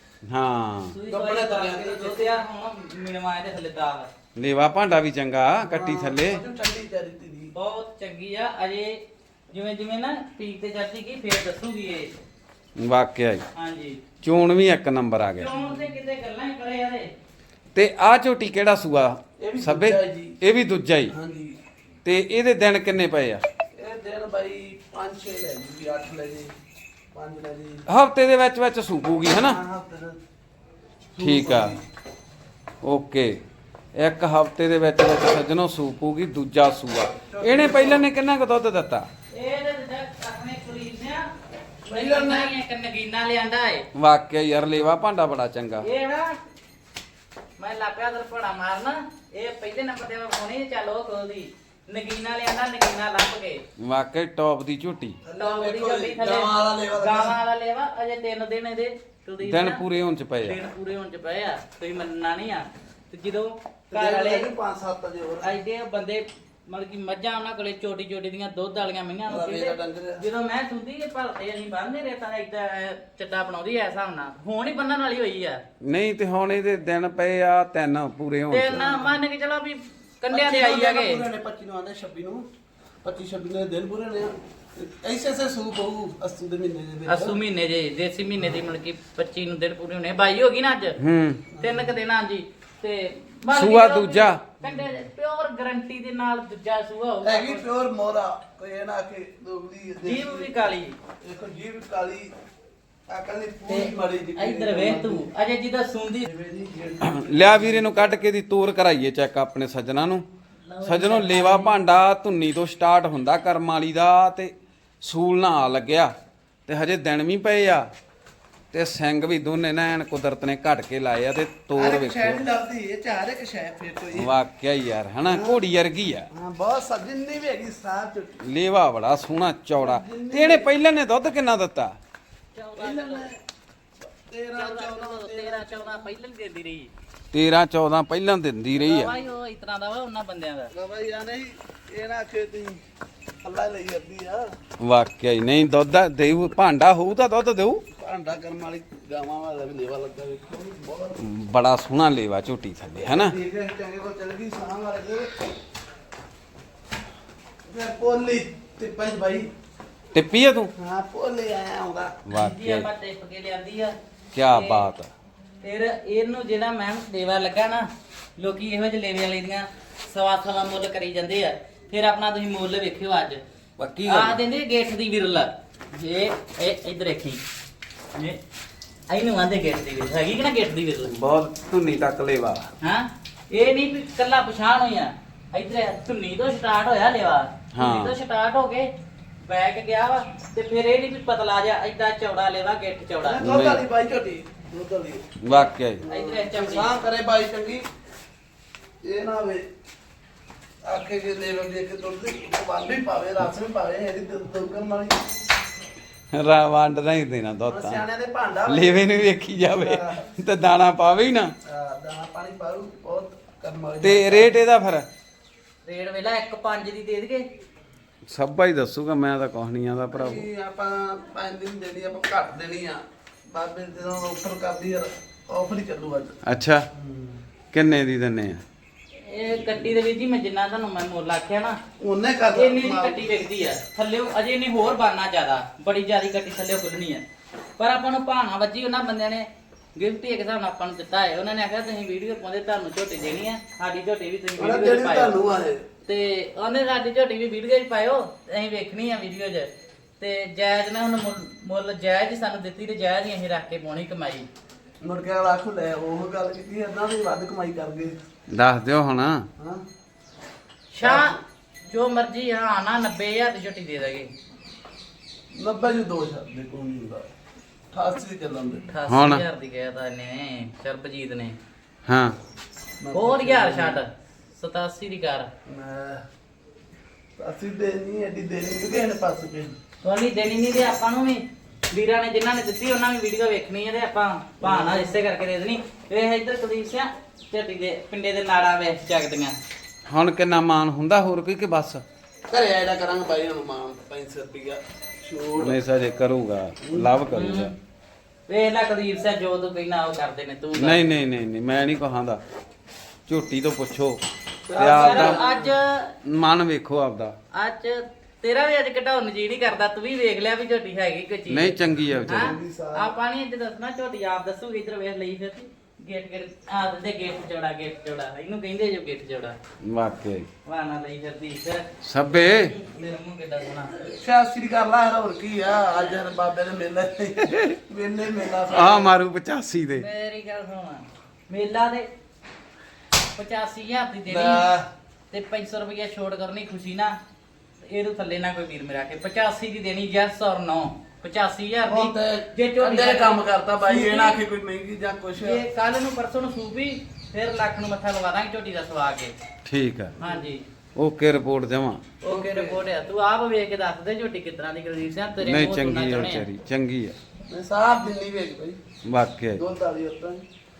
[SPEAKER 1] ਹਾਂ
[SPEAKER 2] ਤੁਸੀਂ
[SPEAKER 3] ਕੱਪੜੇ
[SPEAKER 2] ਕੋਈ
[SPEAKER 3] ਤੁਰਿਆ
[SPEAKER 2] ਕਰਕੇ ਦੁੱਧ ਯਾਰ ਹੁਣ ਮਿਣਵਾਏ ਦੇ ਥੱਲੇ ਦਾਗ
[SPEAKER 1] ਲੇਵਾ ਭਾਂਡਾ ਵੀ ਚੰਗਾ, ਕੱਟੀ ਥੱਲੇ।
[SPEAKER 3] ਉਹਨੂੰ ਠੰਡੀ ਚਾਹੀਦੀ ਦੀ।
[SPEAKER 2] ਬਹੁਤ ਚੰਗੀ ਆ। ਅਜੇ ਜਿਵੇਂ ਜਿਵੇਂ ਨਾ ਪੀਕ ਤੇ ਚੜਦੀ ਗਈ ਫੇਰ ਦੱਸੂਗੀ ਇਹ।
[SPEAKER 1] ਵਾਕਿਆ ਹੀ
[SPEAKER 2] ਹਾਂਜੀ
[SPEAKER 1] ਚੋਣ ਵੀ ਇੱਕ ਨੰਬਰ ਆ ਗਿਆ।
[SPEAKER 2] ਚੋਣ ਤੇ ਕਿਤੇ ਗੱਲਾਂ ਹੀ ਕਰੇ ਯਾਰੇ।
[SPEAKER 1] ਤੇ ਆ ਝੋਟੀ ਕਿਹੜਾ ਸੂਆ?
[SPEAKER 3] ਇਹ ਵੀ
[SPEAKER 1] ਸਭੇ
[SPEAKER 3] ਦੂਜਾ ਹੈ ਜੀ।
[SPEAKER 1] ਇਹ ਵੀ ਦੂਜਾ ਹੀ।
[SPEAKER 3] ਹਾਂਜੀ
[SPEAKER 1] ਤੇ ਇਹਦੇ ਦਿਨ ਕਿੰਨੇ ਪਏ ਆ?
[SPEAKER 3] ਇਹ ਦਿਨ ਬਾਈ 5-6 ਲੈ ਜੀ, 8 ਲੈ ਜੀ, 5 ਲੈ ਜੀ।
[SPEAKER 1] ਹਫਤੇ ਦੇ ਵਿੱਚ ਵਿੱਚ ਸੂਪੂਗੀ ਹਨਾ?
[SPEAKER 3] ਹਾਂ, ਹਫ਼ਤੇ ਦਾ।
[SPEAKER 1] ਠੀਕ ਆ, ਓਕੇ। ਇੱਕ ਹਫਤੇ ਦੇ ਵਿੱਚ ਵਿੱਚ ਸੱਜਣੋ ਸੂਪੂਗੀ ਦੂਜਾ ਸੂਆ। ਇਹਨੇ ਪਹਿਲਾਂ ਨੇ ਕਿੰਨਾ ਕੁ ਦੁੱਧ ਦਿੱਤਾ?
[SPEAKER 2] ਇਹ ਤੇ ਆਪਣੇ ਕੁਲੀਨ ਨੇ ਪਹਿਲਾਂ ਨਹੀਂ ਇੱਕ ਨਗੀਨਾ ਲਿਆਂਦਾ ਏ।
[SPEAKER 1] ਵਾਕਿਆ ਯਾਰ ਲੇਵਾ ਭਾਂਡਾ ਬੜਾ ਚੰਗਾ।
[SPEAKER 2] ਇਹ ਨਾ ਮੈਂ ਲਾਪਿਆ ਦਰਪੜਾ ਮਾਰਨਾ, ਇਹ ਪਹਿਲੇ ਨੰਬਰ ਤੇ ਫੋਨੇ ਚੱਲ ਉਹ ਖੋਲਦੀ। ਨਗੀਨਾ ਲਿਆਂਦਾ, ਨਗੀਨਾ ਲੱਭ ਕੇ।
[SPEAKER 1] ਵਾਕਿਆ ਟੌਪ ਦੀ ਝੋਟੀ।
[SPEAKER 2] ਟੌਪ ਦੀ ਝੋਟੀ ਥੱਲੇ
[SPEAKER 3] ਗਾਵਾਂ ਵਾਲਾ ਲੇਵਾ ਲੱਗਾ।
[SPEAKER 2] ਗਾਵਾਂ ਵਾਲਾ ਲੇਵਾ। ਅਜੇ 3 ਦਿਨ ਇਹਦੇ ਕੁਲਦੀਪ
[SPEAKER 1] ਦਿਨ
[SPEAKER 2] ਨਾ,
[SPEAKER 1] ਪੂਰੇ ਹੋਣ ਚ ਪਏ ਆ।
[SPEAKER 2] ਦਿਨ ਪੂਰੇ ਹੋਣ ਚ ਪਏ ਆ, ਤੁਸੀਂ ਮੰਨਣਾ ਨਹੀਂ ਆ। ਤੇ ਜਦੋਂ ਘਰ
[SPEAKER 3] ਘਰ
[SPEAKER 2] ਵਾਲੇ
[SPEAKER 3] ਵਾਲੇ 5-7 ਅਜੇ ਹੋਰ।
[SPEAKER 2] ਐਡੇ ਬੰਦੇ ਮਤਲਬ ਕਿ ਮੱਝਾਂ ਉਹਨਾਂ ਕੋਲੇ ਛੋਟੀ ਛੋਟੀ ਦੀਆਂ ਦੁੱਧ ਵਾਲੀਆਂ ਮਈਆਂ ਨੂੰ
[SPEAKER 3] ਰਵੇ ਦਾ ਡੰਗਰ ਆ।
[SPEAKER 2] ਜਦੋਂ ਮੈਂ ਸੁਣਦੀ ਇਹ ਭਲਤੇ ਅਸੀਂ ਬੰਨਦੇ ਰੇਤਾ ਏਦਾਂ ਚੱਡਾ ਬਣਾਉਂਦੀ ਐ ਹਿਸਾਬ ਨਾਲ, ਹੁਣ ਹੀ ਬੰਨਣ ਵਾਲੀ ਹੋਈ ਆ।
[SPEAKER 1] ਨਹੀਂ ਤੇ ਹੁਣ ਇਹਦੇ ਦਿਨ ਪਏ ਆ 3 ਪੂਰੇ ਹੋਣ
[SPEAKER 2] ਤੇ
[SPEAKER 1] ਚ।
[SPEAKER 2] ਨਾ ਮੰਨ ਕੇ ਚਲੋ ਵੀ ਕੰਡਿਆਂ ਦੇ ਆਈ ਹੈਗੇ।
[SPEAKER 3] 25 ਨੂੰ ਆਉਂਦੇ 26 ਨੂੰ 25-26 ਦੇ ਦਿਨ ਪੂਰੇ ਨੇ। ਐਸੇ ਐਸੇ ਸੂਪ ਹੋਊ 80 ਦੇ ਮਹੀਨੇ ਦੇ ਵਿੱਚ।
[SPEAKER 2] ਅਸੂ ਮਹੀਨੇ ਜੇ ਦੇਸੀ ਮਹੀਨੇ ਦੀ ਮਤਲਬ ਕਿ 25 ਨੂੰ ਦਿਨ ਪੂਰੇ ਹੋਣੇ, 22 ਹੋ ਗਈ ਨਾ ਅੱਜ।
[SPEAKER 1] ਹੂੰ
[SPEAKER 2] 3 ਕੁ ਦਿਨ ਹਾਂਜੀ। ਤੇ ਮੰਨ ਕੇ
[SPEAKER 1] ਸੂਆ
[SPEAKER 2] ਚਲੋ ਵੀ
[SPEAKER 1] ਦੂਜਾ।
[SPEAKER 2] ਕੰਡੇ ਪਿਓਰ ਗਾਰੰਟੀ ਦੇ ਨਾਲ ਦੂਜਾ ਸੂਆ
[SPEAKER 3] ਹੈਗੀ
[SPEAKER 2] ਹੋਊਗਾ।
[SPEAKER 3] ਪਿਓਰ ਮੋਰਾ, ਕੋਈ ਇਹ ਨਾ ਕਿ ਦੋਗਲੀ
[SPEAKER 2] ਜੀਭ ਵੀ ਕਾਲੀ।
[SPEAKER 3] ਦੇਖੋ ਜੀਭ ਕਾਲੀ, ਅਕਲ ਦੀ
[SPEAKER 2] ਤੇ
[SPEAKER 3] ਪੂਰੀ ਮੜੀ ਜੀ।
[SPEAKER 2] ਇੱਧਰ ਵੇਖ ਤੂੰ ਅਜੇ ਜਿਹਦਾ ਸੁੰਦੀ
[SPEAKER 1] ਲਿਆ ਵੀਰੇ ਨੂੰ ਕੱਢ ਕੇ ਦੀ ਤੋਰ ਕਰਾਈਏ ਚੈੱਕ ਆਪਣੇ ਸੱਜਣਾ ਨੂੰ। ਸੱਜਣੋ ਲੇਵਾ ਭਾਂਡਾ ਧੁੰਨੀ ਤੋਂ ਸਟਾਰਟ ਹੁੰਦਾ ਕਰਮ ਵਾਲੀ ਦਾ, ਤੇ ਸੂਲ ਨਾ ਆ ਲੱਗਿਆ ਤੇ ਹਜੇ ਦਿਨ ਵੀ ਪਏ ਆ, ਤੇ ਸਿੰਘ ਵੀ ਦੋਨੇ ਨਾ ਐਨ ਕੁਦਰਤ ਨੇ ਘਟ ਕੇ ਲਾਏ ਆ। ਤੇ ਤੋਰ
[SPEAKER 3] ਇੱਕ ਸ਼ੈ ਨਹੀਂ
[SPEAKER 1] ਵੇਖੋ
[SPEAKER 3] ਲੱਭਦੀ, ਇਹ ਚਾਰ ਇੱਕ ਸ਼ੈ ਫਿਰ ਕੋਈ।
[SPEAKER 1] ਵਾਕਿਆ ਹੀ ਯਾਰ ਹਨਾ, ਘੋੜੀ ਵਰਗੀ ਆ।
[SPEAKER 3] ਹਾਂ ਬਹੁਤ ਸਜਣੀ ਵੀ ਹੈਗੀ ਸਾਫ ਚੁੱਕੀ।
[SPEAKER 1] ਲੇਵਾ ਬੜਾ ਸੋਹਣਾ ਚੌੜਾ। ਤੇ ਇਹਨੇ ਪਹਿਲਾਂ ਨੇ ਦੁੱਧ ਕਿੰਨਾ ਦਿੱਤਾ?
[SPEAKER 3] 13
[SPEAKER 2] 13 ਪਹਿਲਾਂ ਹੀ ਦਿੰਦੀ ਰਹੀ।
[SPEAKER 1] 13-14 ਪਹਿਲਾਂ ਦਿੰਦੀ ਰਹੀ ਆ।
[SPEAKER 2] ਭਾਈ ਉਹ ਇਸ ਤਰ੍ਹਾਂ ਦਾ ਵਾ ਉਹਨਾਂ ਬੰਦਿਆਂ ਦਾ।
[SPEAKER 3] ਬਾਬਾ ਯਾਰ ਨਹੀਂ ਇਹ ਨਾ ਕਿ ਤੁਸੀਂ ਅੱਲਾ ਲਈ ਜਾਂਦੀ ਆ।
[SPEAKER 1] ਵਾਕਿਆ ਹੀ ਨਹੀਂ ਦੁੱਧ ਦੇਊ, ਭਾਂਡਾ ਹੋਊ ਤਾਂ ਦੁੱਧ ਦੇਊ।
[SPEAKER 3] ਭਾਂਡਾ ਕਰਮ ਵਾਲੀ ਗਾਵਾਂ ਵਾਲਾ ਵੀ ਲੇਵਾ ਲੱਗਾ ਵੇਖੋ ਬਹੁਤ।
[SPEAKER 1] ਬੜਾ ਸੋਹਣਾ ਲੇਵਾ ਝੋਟੀ ਥੱਲੇ ਹਨਾ।
[SPEAKER 3] ਠੀਕ ਹੈ ਚੰਗੇ ਕੋ ਚੱਲ ਗਈ ਸਾਹ ਵਾਲੇ ਦੇ। ਫਿਰ ਪੋਲੀ ਤੇ ਪੰਜ ਭਾਈ।
[SPEAKER 1] ਟਿੱਪੀ ਆ ਤੂੰ?
[SPEAKER 3] ਹਾਂ ਪੋਲੀ ਆਇਆ ਆਉਂਦਾ।
[SPEAKER 2] ਜੀ
[SPEAKER 1] ਵਾਕਿਆ
[SPEAKER 2] ਆਪਾਂ ਟਿਪ ਕੇ ਲਿਆਂਦੀ ਆ।
[SPEAKER 1] ਕੀ ਬਾਤ ਆ।
[SPEAKER 2] ਫਿਰ ਇਹਨੂੰ ਜਿਹੜਾ ਮੈਮ ਲੇਵਾ ਲੱਗਾ ਨਾ, ਲੋਕੀ ਇਹੋ ਜਿਹੇ ਲੇਵੇ ਵਾਲੇ ਦੀਆਂ ਸਵਾ ਮੁੱਲ ਕਰੀ ਜਾਂਦੇ ਆ। ਫਿਰ ਆਪਣਾ ਤੁਸੀਂ ਮੁੱਲ ਵੇਖਿਓ ਅੱਜ।
[SPEAKER 1] ਪੱਕੀ
[SPEAKER 2] ਆ
[SPEAKER 1] ਗੱਲ।
[SPEAKER 2] ਦਿੰਦੇ ਗੇਟ ਦੀ ਵਿਰਲ। ਇਹ ਇੱਧਰ ਦੇਖੀ, ਇਹ ਇਹਨੂੰ ਆਂਦੇ ਗੇਟ ਦੀ ਵਿਰਲ ਹੈਗੀ ਕਿ ਨਾ, ਗੇਟ ਦੀ ਵਿਰਲ।
[SPEAKER 1] ਬਹੁਤ ਧੁੰਨੀ ਤੱਕ ਲੇਵਾ।
[SPEAKER 2] ਹਾਂ ਇਹ ਨਹੀਂ ਵੀ ਕੱਲਾ ਪਛਾਣ ਹੋਈਆ, ਇੱਧਰ ਧੁੰਨੀ ਤੋਂ ਸਟਾਰਟ ਹੋਇਆ ਲੇਵਾ। ਧੁੰਨੀ ਤੋਂ ਸਟਾਰਟ ਹੋ ਕੇ ਬੈਕ ਗਿਆ ਵਾ, ਤੇ ਫਿਰ ਇਹ ਨਹੀਂ ਵੀ ਪਤਲਾ ਜਾ ਏਦਾਂ ਚੌੜਾ ਲੇਵਾ, ਗਿੱਠ ਚੌੜਾ।
[SPEAKER 3] ਦੁੱਧ ਵਾਲੀ ਬਾਈ ਝੋਟੀ ਦੁੱਧ ਵਾਲੀ।
[SPEAKER 1] ਵਾਕਿਆ ਹੀ
[SPEAKER 2] ਇੱਧਰ ਚਮੜੀ
[SPEAKER 3] ਸਾਹ ਕਰੇ ਬਾਈ ਚੰਗੀ। ਇਹ ਨਾ ਵੇ ਆਖੇ ਜੇ ਲੈਵਲ ਦੇ ਕੇ ਦੁੱਧ ਦੀ ਵੰਡ ਵੀ ਪਾਵੇ, ਰਸ ਵੀ ਪਾਵੇ, ਇਹਦੀ ਦੁੱਧ ਕਰਨ ਵਾਲੀ।
[SPEAKER 1] ਵੰਡ ਨਹੀਂ ਦੇਣਾ ਦੁੱਧ ਤਾਂ।
[SPEAKER 3] ਸਿਆਣਿਆਂ ਦੇ ਭਾਂਡਾ ਵੇ।
[SPEAKER 1] ਲੇਵੇ ਨੂੰ ਵੇਖੀ ਜਾਵੇ ਤੇ ਦਾਣਾ ਪਾਵੇ ਹੀ ਨਾ।
[SPEAKER 3] ਦਾਣਾ ਪਾਣੀ ਪਾਉ ਬਹੁਤ ਕਰਨ ਵਾਲੀ।
[SPEAKER 1] ਤੇ ਰੇਟ ਇਹਦਾ ਫਿਰ
[SPEAKER 2] ਰੇਟ ਵੇਲਾ 1.5 ਦੀ ਦੇ ਦੇਗੇ।
[SPEAKER 1] ਸਭਾ ਹੀ ਦੱਸੂਗਾ, ਮੈਂ ਤਾਂ ਕੁਛ ਨਹੀਂ ਆਂਦਾ ਭਰਾਵੋ।
[SPEAKER 3] ਅਸੀਂ ਆਪਾਂ 5 ਦਿਨ ਦੇਣੀ, ਆਪਾਂ ਘੱਟ ਦੇਣੀ ਆ। ਬਾਬੇ ਜਦੋਂ ਆਫਰ ਕਰਦੀ ਯਾਰ, ਆਫਰ ਹੀ ਚੱਲੂ ਅੱਜ।
[SPEAKER 1] ਅੱਛਾ ਕਿੰਨੇ ਦੀ ਦਿੰਨੇ ਆ?
[SPEAKER 2] ਇਹ ਕੱਟੀ ਦੇ ਵਿੱਚ ਜੀ ਮੈਂ ਜਿੰਨਾ ਤੁਹਾਨੂੰ ਮੈਂ ਮੁੱਲ ਆਖਿਆ ਨਾ
[SPEAKER 3] ਉਹਨੇ ਕਰ
[SPEAKER 2] ਇੰਨੀ ਦੀ ਕੱਟੀ ਵਿਕਦੀ ਆ। ਥੱਲੇ ਅਜੇ ਇਹਨੇ ਹੋਰ ਬਣਨਾ ਜ਼ਿਆਦਾ, ਬੜੀ ਜ਼ਿਆਦੀ ਕੱਟੀ ਥੱਲੇ ਖੁੱਲਣੀ ਆ। ਪਰ ਆਪਾਂ ਨੂੰ ਭਾਣਾ ਵੱਜੀ ਉਹਨਾਂ ਬੰਦਿਆਂ ਨੇ ਗਿਫਟ ਇੱਕ ਹਿਸਾਬ ਨਾਲ ਆਪਾਂ ਨੂੰ ਦਿੱਤਾ ਹੈ। ਉਹਨਾਂ ਨੇ ਆਖਿਆ ਤੁਸੀਂ ਵੀਡੀਓ ਪਾਉਂਦੇ ਤੁਹਾਨੂੰ ਝੋਟੀ ਦੇਣੀ ਆ, ਸਾਡੀ ਝੋਟੀ ਵੀ ਤੁਸੀਂ ਵੀਡੀਓ 'ਚ
[SPEAKER 3] ਜਿਹੜੀ
[SPEAKER 2] ਪਾਇਓ।
[SPEAKER 3] ਤੁਹਾਨੂੰ ਆਏ
[SPEAKER 2] ਤੇ ਉਹਨੇ ਸਾਡੀ ਝੋਟੀ ਵੀ ਵੀਡੀਓ 'ਚ ਪਾਇਓ, ਅਸੀਂ ਵੇਖਣੀ ਆ ਵੀਡੀਓ 'ਚ। ਤੇ ਜਾਇਜ਼ ਨੇ ਹੁਣ ਮੁੱਲ ਜਾਇਜ਼ ਹੀ ਸਾਨੂੰ ਦਿੱਤੀ ਤੇ ਜਾਇਜ਼ ਹੀ ਅਸੀਂ ਰੱਖ ਕੇ ਪਾਉਣੀ ਕਮਾਈ।
[SPEAKER 3] ਮੁੜ ਕੇ ਆਖੋ ਲੈ ਉਹ ਗੱਲ ਕੀਤੀ ਏਦਾਂ ਵੀ ਵੱਧ ਕਮਾਈ ਕਰ ਗਏ।
[SPEAKER 1] ਦੱਸ ਦਿਓ ਹੁਣ।
[SPEAKER 3] ਹਾਂ
[SPEAKER 2] ਸ਼ਾਹ ਜੋ ਮਰਜੀ ਹਾਂ ਨਾ 90000 ਦੀ ਝੋਟੀ ਦੇ ਦਾਂਗੇ।
[SPEAKER 3] 90 ਜੀ 2 ਛੱਡ ਦੇ ਕੋਈ ਨਹੀਂ ਹੁੰਦਾ 88 ਚੱਲਣ ਦੇ
[SPEAKER 2] 88000 ਦੀ ਕਹਿਤਾ ਇਹਨੇ ਸਰਬਜੀਤ ਨੇ।
[SPEAKER 1] ਹਾਂ
[SPEAKER 2] ਹੋਰ ਯਾਰ ਛੱਡ 87 ਦੀ ਕਰ।
[SPEAKER 3] ਮੈਂ ਅਸੀਂ ਦੇਣੀ ਐਡੀ ਦੇਣੀ ਕਿਹਦੇ ਨੇ ਪਾਸ ਕੇ
[SPEAKER 2] ਸੋਨੀ ਦੇਣੀ ਨਹੀਂ ਤੇ ਆਪਾਂ ਨੂੰ ਵੀ ਵੀਰਾਂ ਨੇ ਜਿਨ੍ਹਾਂ ਨੇ ਦਿੱਤੀ ਉਹਨਾਂ ਵੀ ਵੀਡੀਓ ਵੇਖਣੀ ਹੈ ਤੇ ਆਪਾਂ ਭਾਣਾ ਇਸੇ ਕਰਕੇ ਦੇ ਦੇਣੀ। ਵੇਖ ਇੱਧਰ ਕੁਲਦੀਪ ਸਿੰਘ ਝੋਟੀ ਦੇ ਪਿੰਡੇ ਦੇ ਨਾੜਾ ਵੇਖ ਚੱਕਦੀਆਂ।
[SPEAKER 1] ਹੁਣ ਕਿੰਨਾ ਮਾਨ ਹੁੰਦਾ ਹੋਰ ਕੋਈ ਕਿ ਬਸ?
[SPEAKER 3] ਘਰੇ ਆਇਦਾ ਕਰਾਂਗੇ ਬਾਈ ਹਨੂਮਾਨ 500 ਰੁਪਿਆ ਛੋੜ
[SPEAKER 1] ਨਹੀਂ ਸਜੇ ਕਰੂਗਾ, ਲਵ ਕਰੂਗਾ।
[SPEAKER 2] ਵੇਖ ਲੈ ਕੁਲਦੀਪ ਸਿੰਘ ਜੋ ਤੂੰ ਕਹਿਣਾ ਉਹ ਕਰਦੇ ਨੇ ਤੂੰ ਕਰ।
[SPEAKER 1] ਨਹੀਂ ਨਹੀਂ ਨਹੀਂ ਨਹੀਂ ਮੈਂ ਨਹੀਂ ਕਹਾਂਦਾ। ਝੋਟੀ ਤੋਂ ਪੁੱਛੋ ਤੇ
[SPEAKER 2] ਯਾਰ
[SPEAKER 1] ਆਪਦਾ
[SPEAKER 2] ਅੱਜ
[SPEAKER 1] ਮਨ ਵੇਖੋ ਆਪਦਾ।
[SPEAKER 2] ਅੱਜ ਤੇਰਾ ਵੀ ਅੱਜ ਘਟਾਉਣ ਨੂੰ ਜੀ ਨਹੀਂ ਕਰਦਾ। ਤੂੰ ਵੀ ਵੇਖ ਲਿਆ ਵੀ ਝੋਟੀ ਹੈਗੀ ਕੋਈ ਚੀਜ਼।
[SPEAKER 1] ਨਹੀਂ ਚੰਗੀ ਆ ਵਿਚਾਰੀ।
[SPEAKER 2] ਹਾਂ ਆਪਾਂ ਨਹੀਂ ਅੱਜ ਦੱਸਣਾ ਝੋਟੀ ਆਪ ਦੱਸੂਗੀ। ਇੱਧਰ ਵੇਖ ਲਈ ਫਿਰ ਗੇਟ ਆ ਦੇ ਗੇਟ ਚੌੜਾ ਗੇਟ ਚੌੜਾ ਇਹਨੂੰ ਕਹਿੰਦੇ ਜੋ ਗੇਟ ਚੌੜਾ
[SPEAKER 1] ਵਾਕਿਆ ਹੀ।
[SPEAKER 2] ਵਾਣਾ ਲਈ ਫਿਰਦੀ ਫਿਰ
[SPEAKER 1] ਸਭੇ
[SPEAKER 2] ਮੇਰੇ ਮੂੰਹ ਕਿੱਡਾ ਸੋਹਣਾ।
[SPEAKER 3] ਸ਼ਾਸਤਰੀ ਕਰ ਲਾ ਹੋਰ ਕੀ ਆ ਅੱਜ ਹਰ ਬਾਬੇ ਨੇ ਮੇਲਾ ਵੇਲੇ ਮੇਲਾ
[SPEAKER 1] ਆ ਮਾਰੂ 85 ਦੇ।
[SPEAKER 2] ਮੇਰੀ ਗੱਲ ਸੁਣ ਮੇਲਾ ਦੇ 85000 ਦੀ ਦੇਣੀ
[SPEAKER 3] ਲੈ।
[SPEAKER 2] ਤੇ 500 ਰੁਪਏ ਛੋੜ ਕਰਨੀ ਖੁਸ਼ੀ ਨਾ। ਇਹਦੇ ਥੱਲੇ ਨਾ ਕੋਈ ਵੀਰ ਮੇਰਾ ਕੇ 85 ਦੀ ਦੇਣੀ ਯੈਸ ਔਰ ਨੋ 85000
[SPEAKER 3] ਹੁਣ
[SPEAKER 2] ਦੀ।
[SPEAKER 3] ਤੇ ਅੰਦਰ ਕੰਮ ਕਰਤਾ ਬਾਈ ਇਹ ਨਾ ਆਖੇ ਕੋਈ ਮਹਿੰਗੀ ਜਾਂ ਕੁਛ
[SPEAKER 2] ਜੇ ਕੱਲ ਨੂੰ ਪਰਸੋਂ ਨੂੰ ਸੂਪੀ ਫਿਰ ਲੱਖ ਨੂੰ ਮੱਥਾ ਲਵਾ ਦਾਂਗੇ ਝੋਟੀ ਦਾ ਸਵਾ ਕੇ।
[SPEAKER 1] ਠੀਕ ਆ
[SPEAKER 2] ਹਾਂਜੀ
[SPEAKER 1] ਓਕੇ ਰਿਪੋਰਟ ਦੇਵਾਂ।
[SPEAKER 2] ਓਕੇ ਰਿਪੋਰਟ ਆ। ਤੂੰ ਆਪ ਵੇਖ ਕੇ ਦੱਸ ਦੇ ਝੋਟੀ ਕਿਤਨਾ ਦੀ ਕੁਲਦੀਪ ਸਿੰਘ ਤੇਰੇ
[SPEAKER 1] ਨਹੀਂ
[SPEAKER 2] ਮੂੰਹ ਤੋਂ ਨਾ
[SPEAKER 1] ਚੰਗੀ ਆ
[SPEAKER 2] ਚਾਹੁੰਦੇ ਆ।
[SPEAKER 1] ਵਿਚਾਰੀ ਚੰਗੀ ਆ
[SPEAKER 3] ਮੈਂ ਸਾਫ ਦਿੰਨੀ ਵੇਖ ਬਾਈ
[SPEAKER 1] ਵਾਕਿਆ ਹੀ।
[SPEAKER 3] ਦੋ ਤਾਲੀ ਉੱਤਾਂ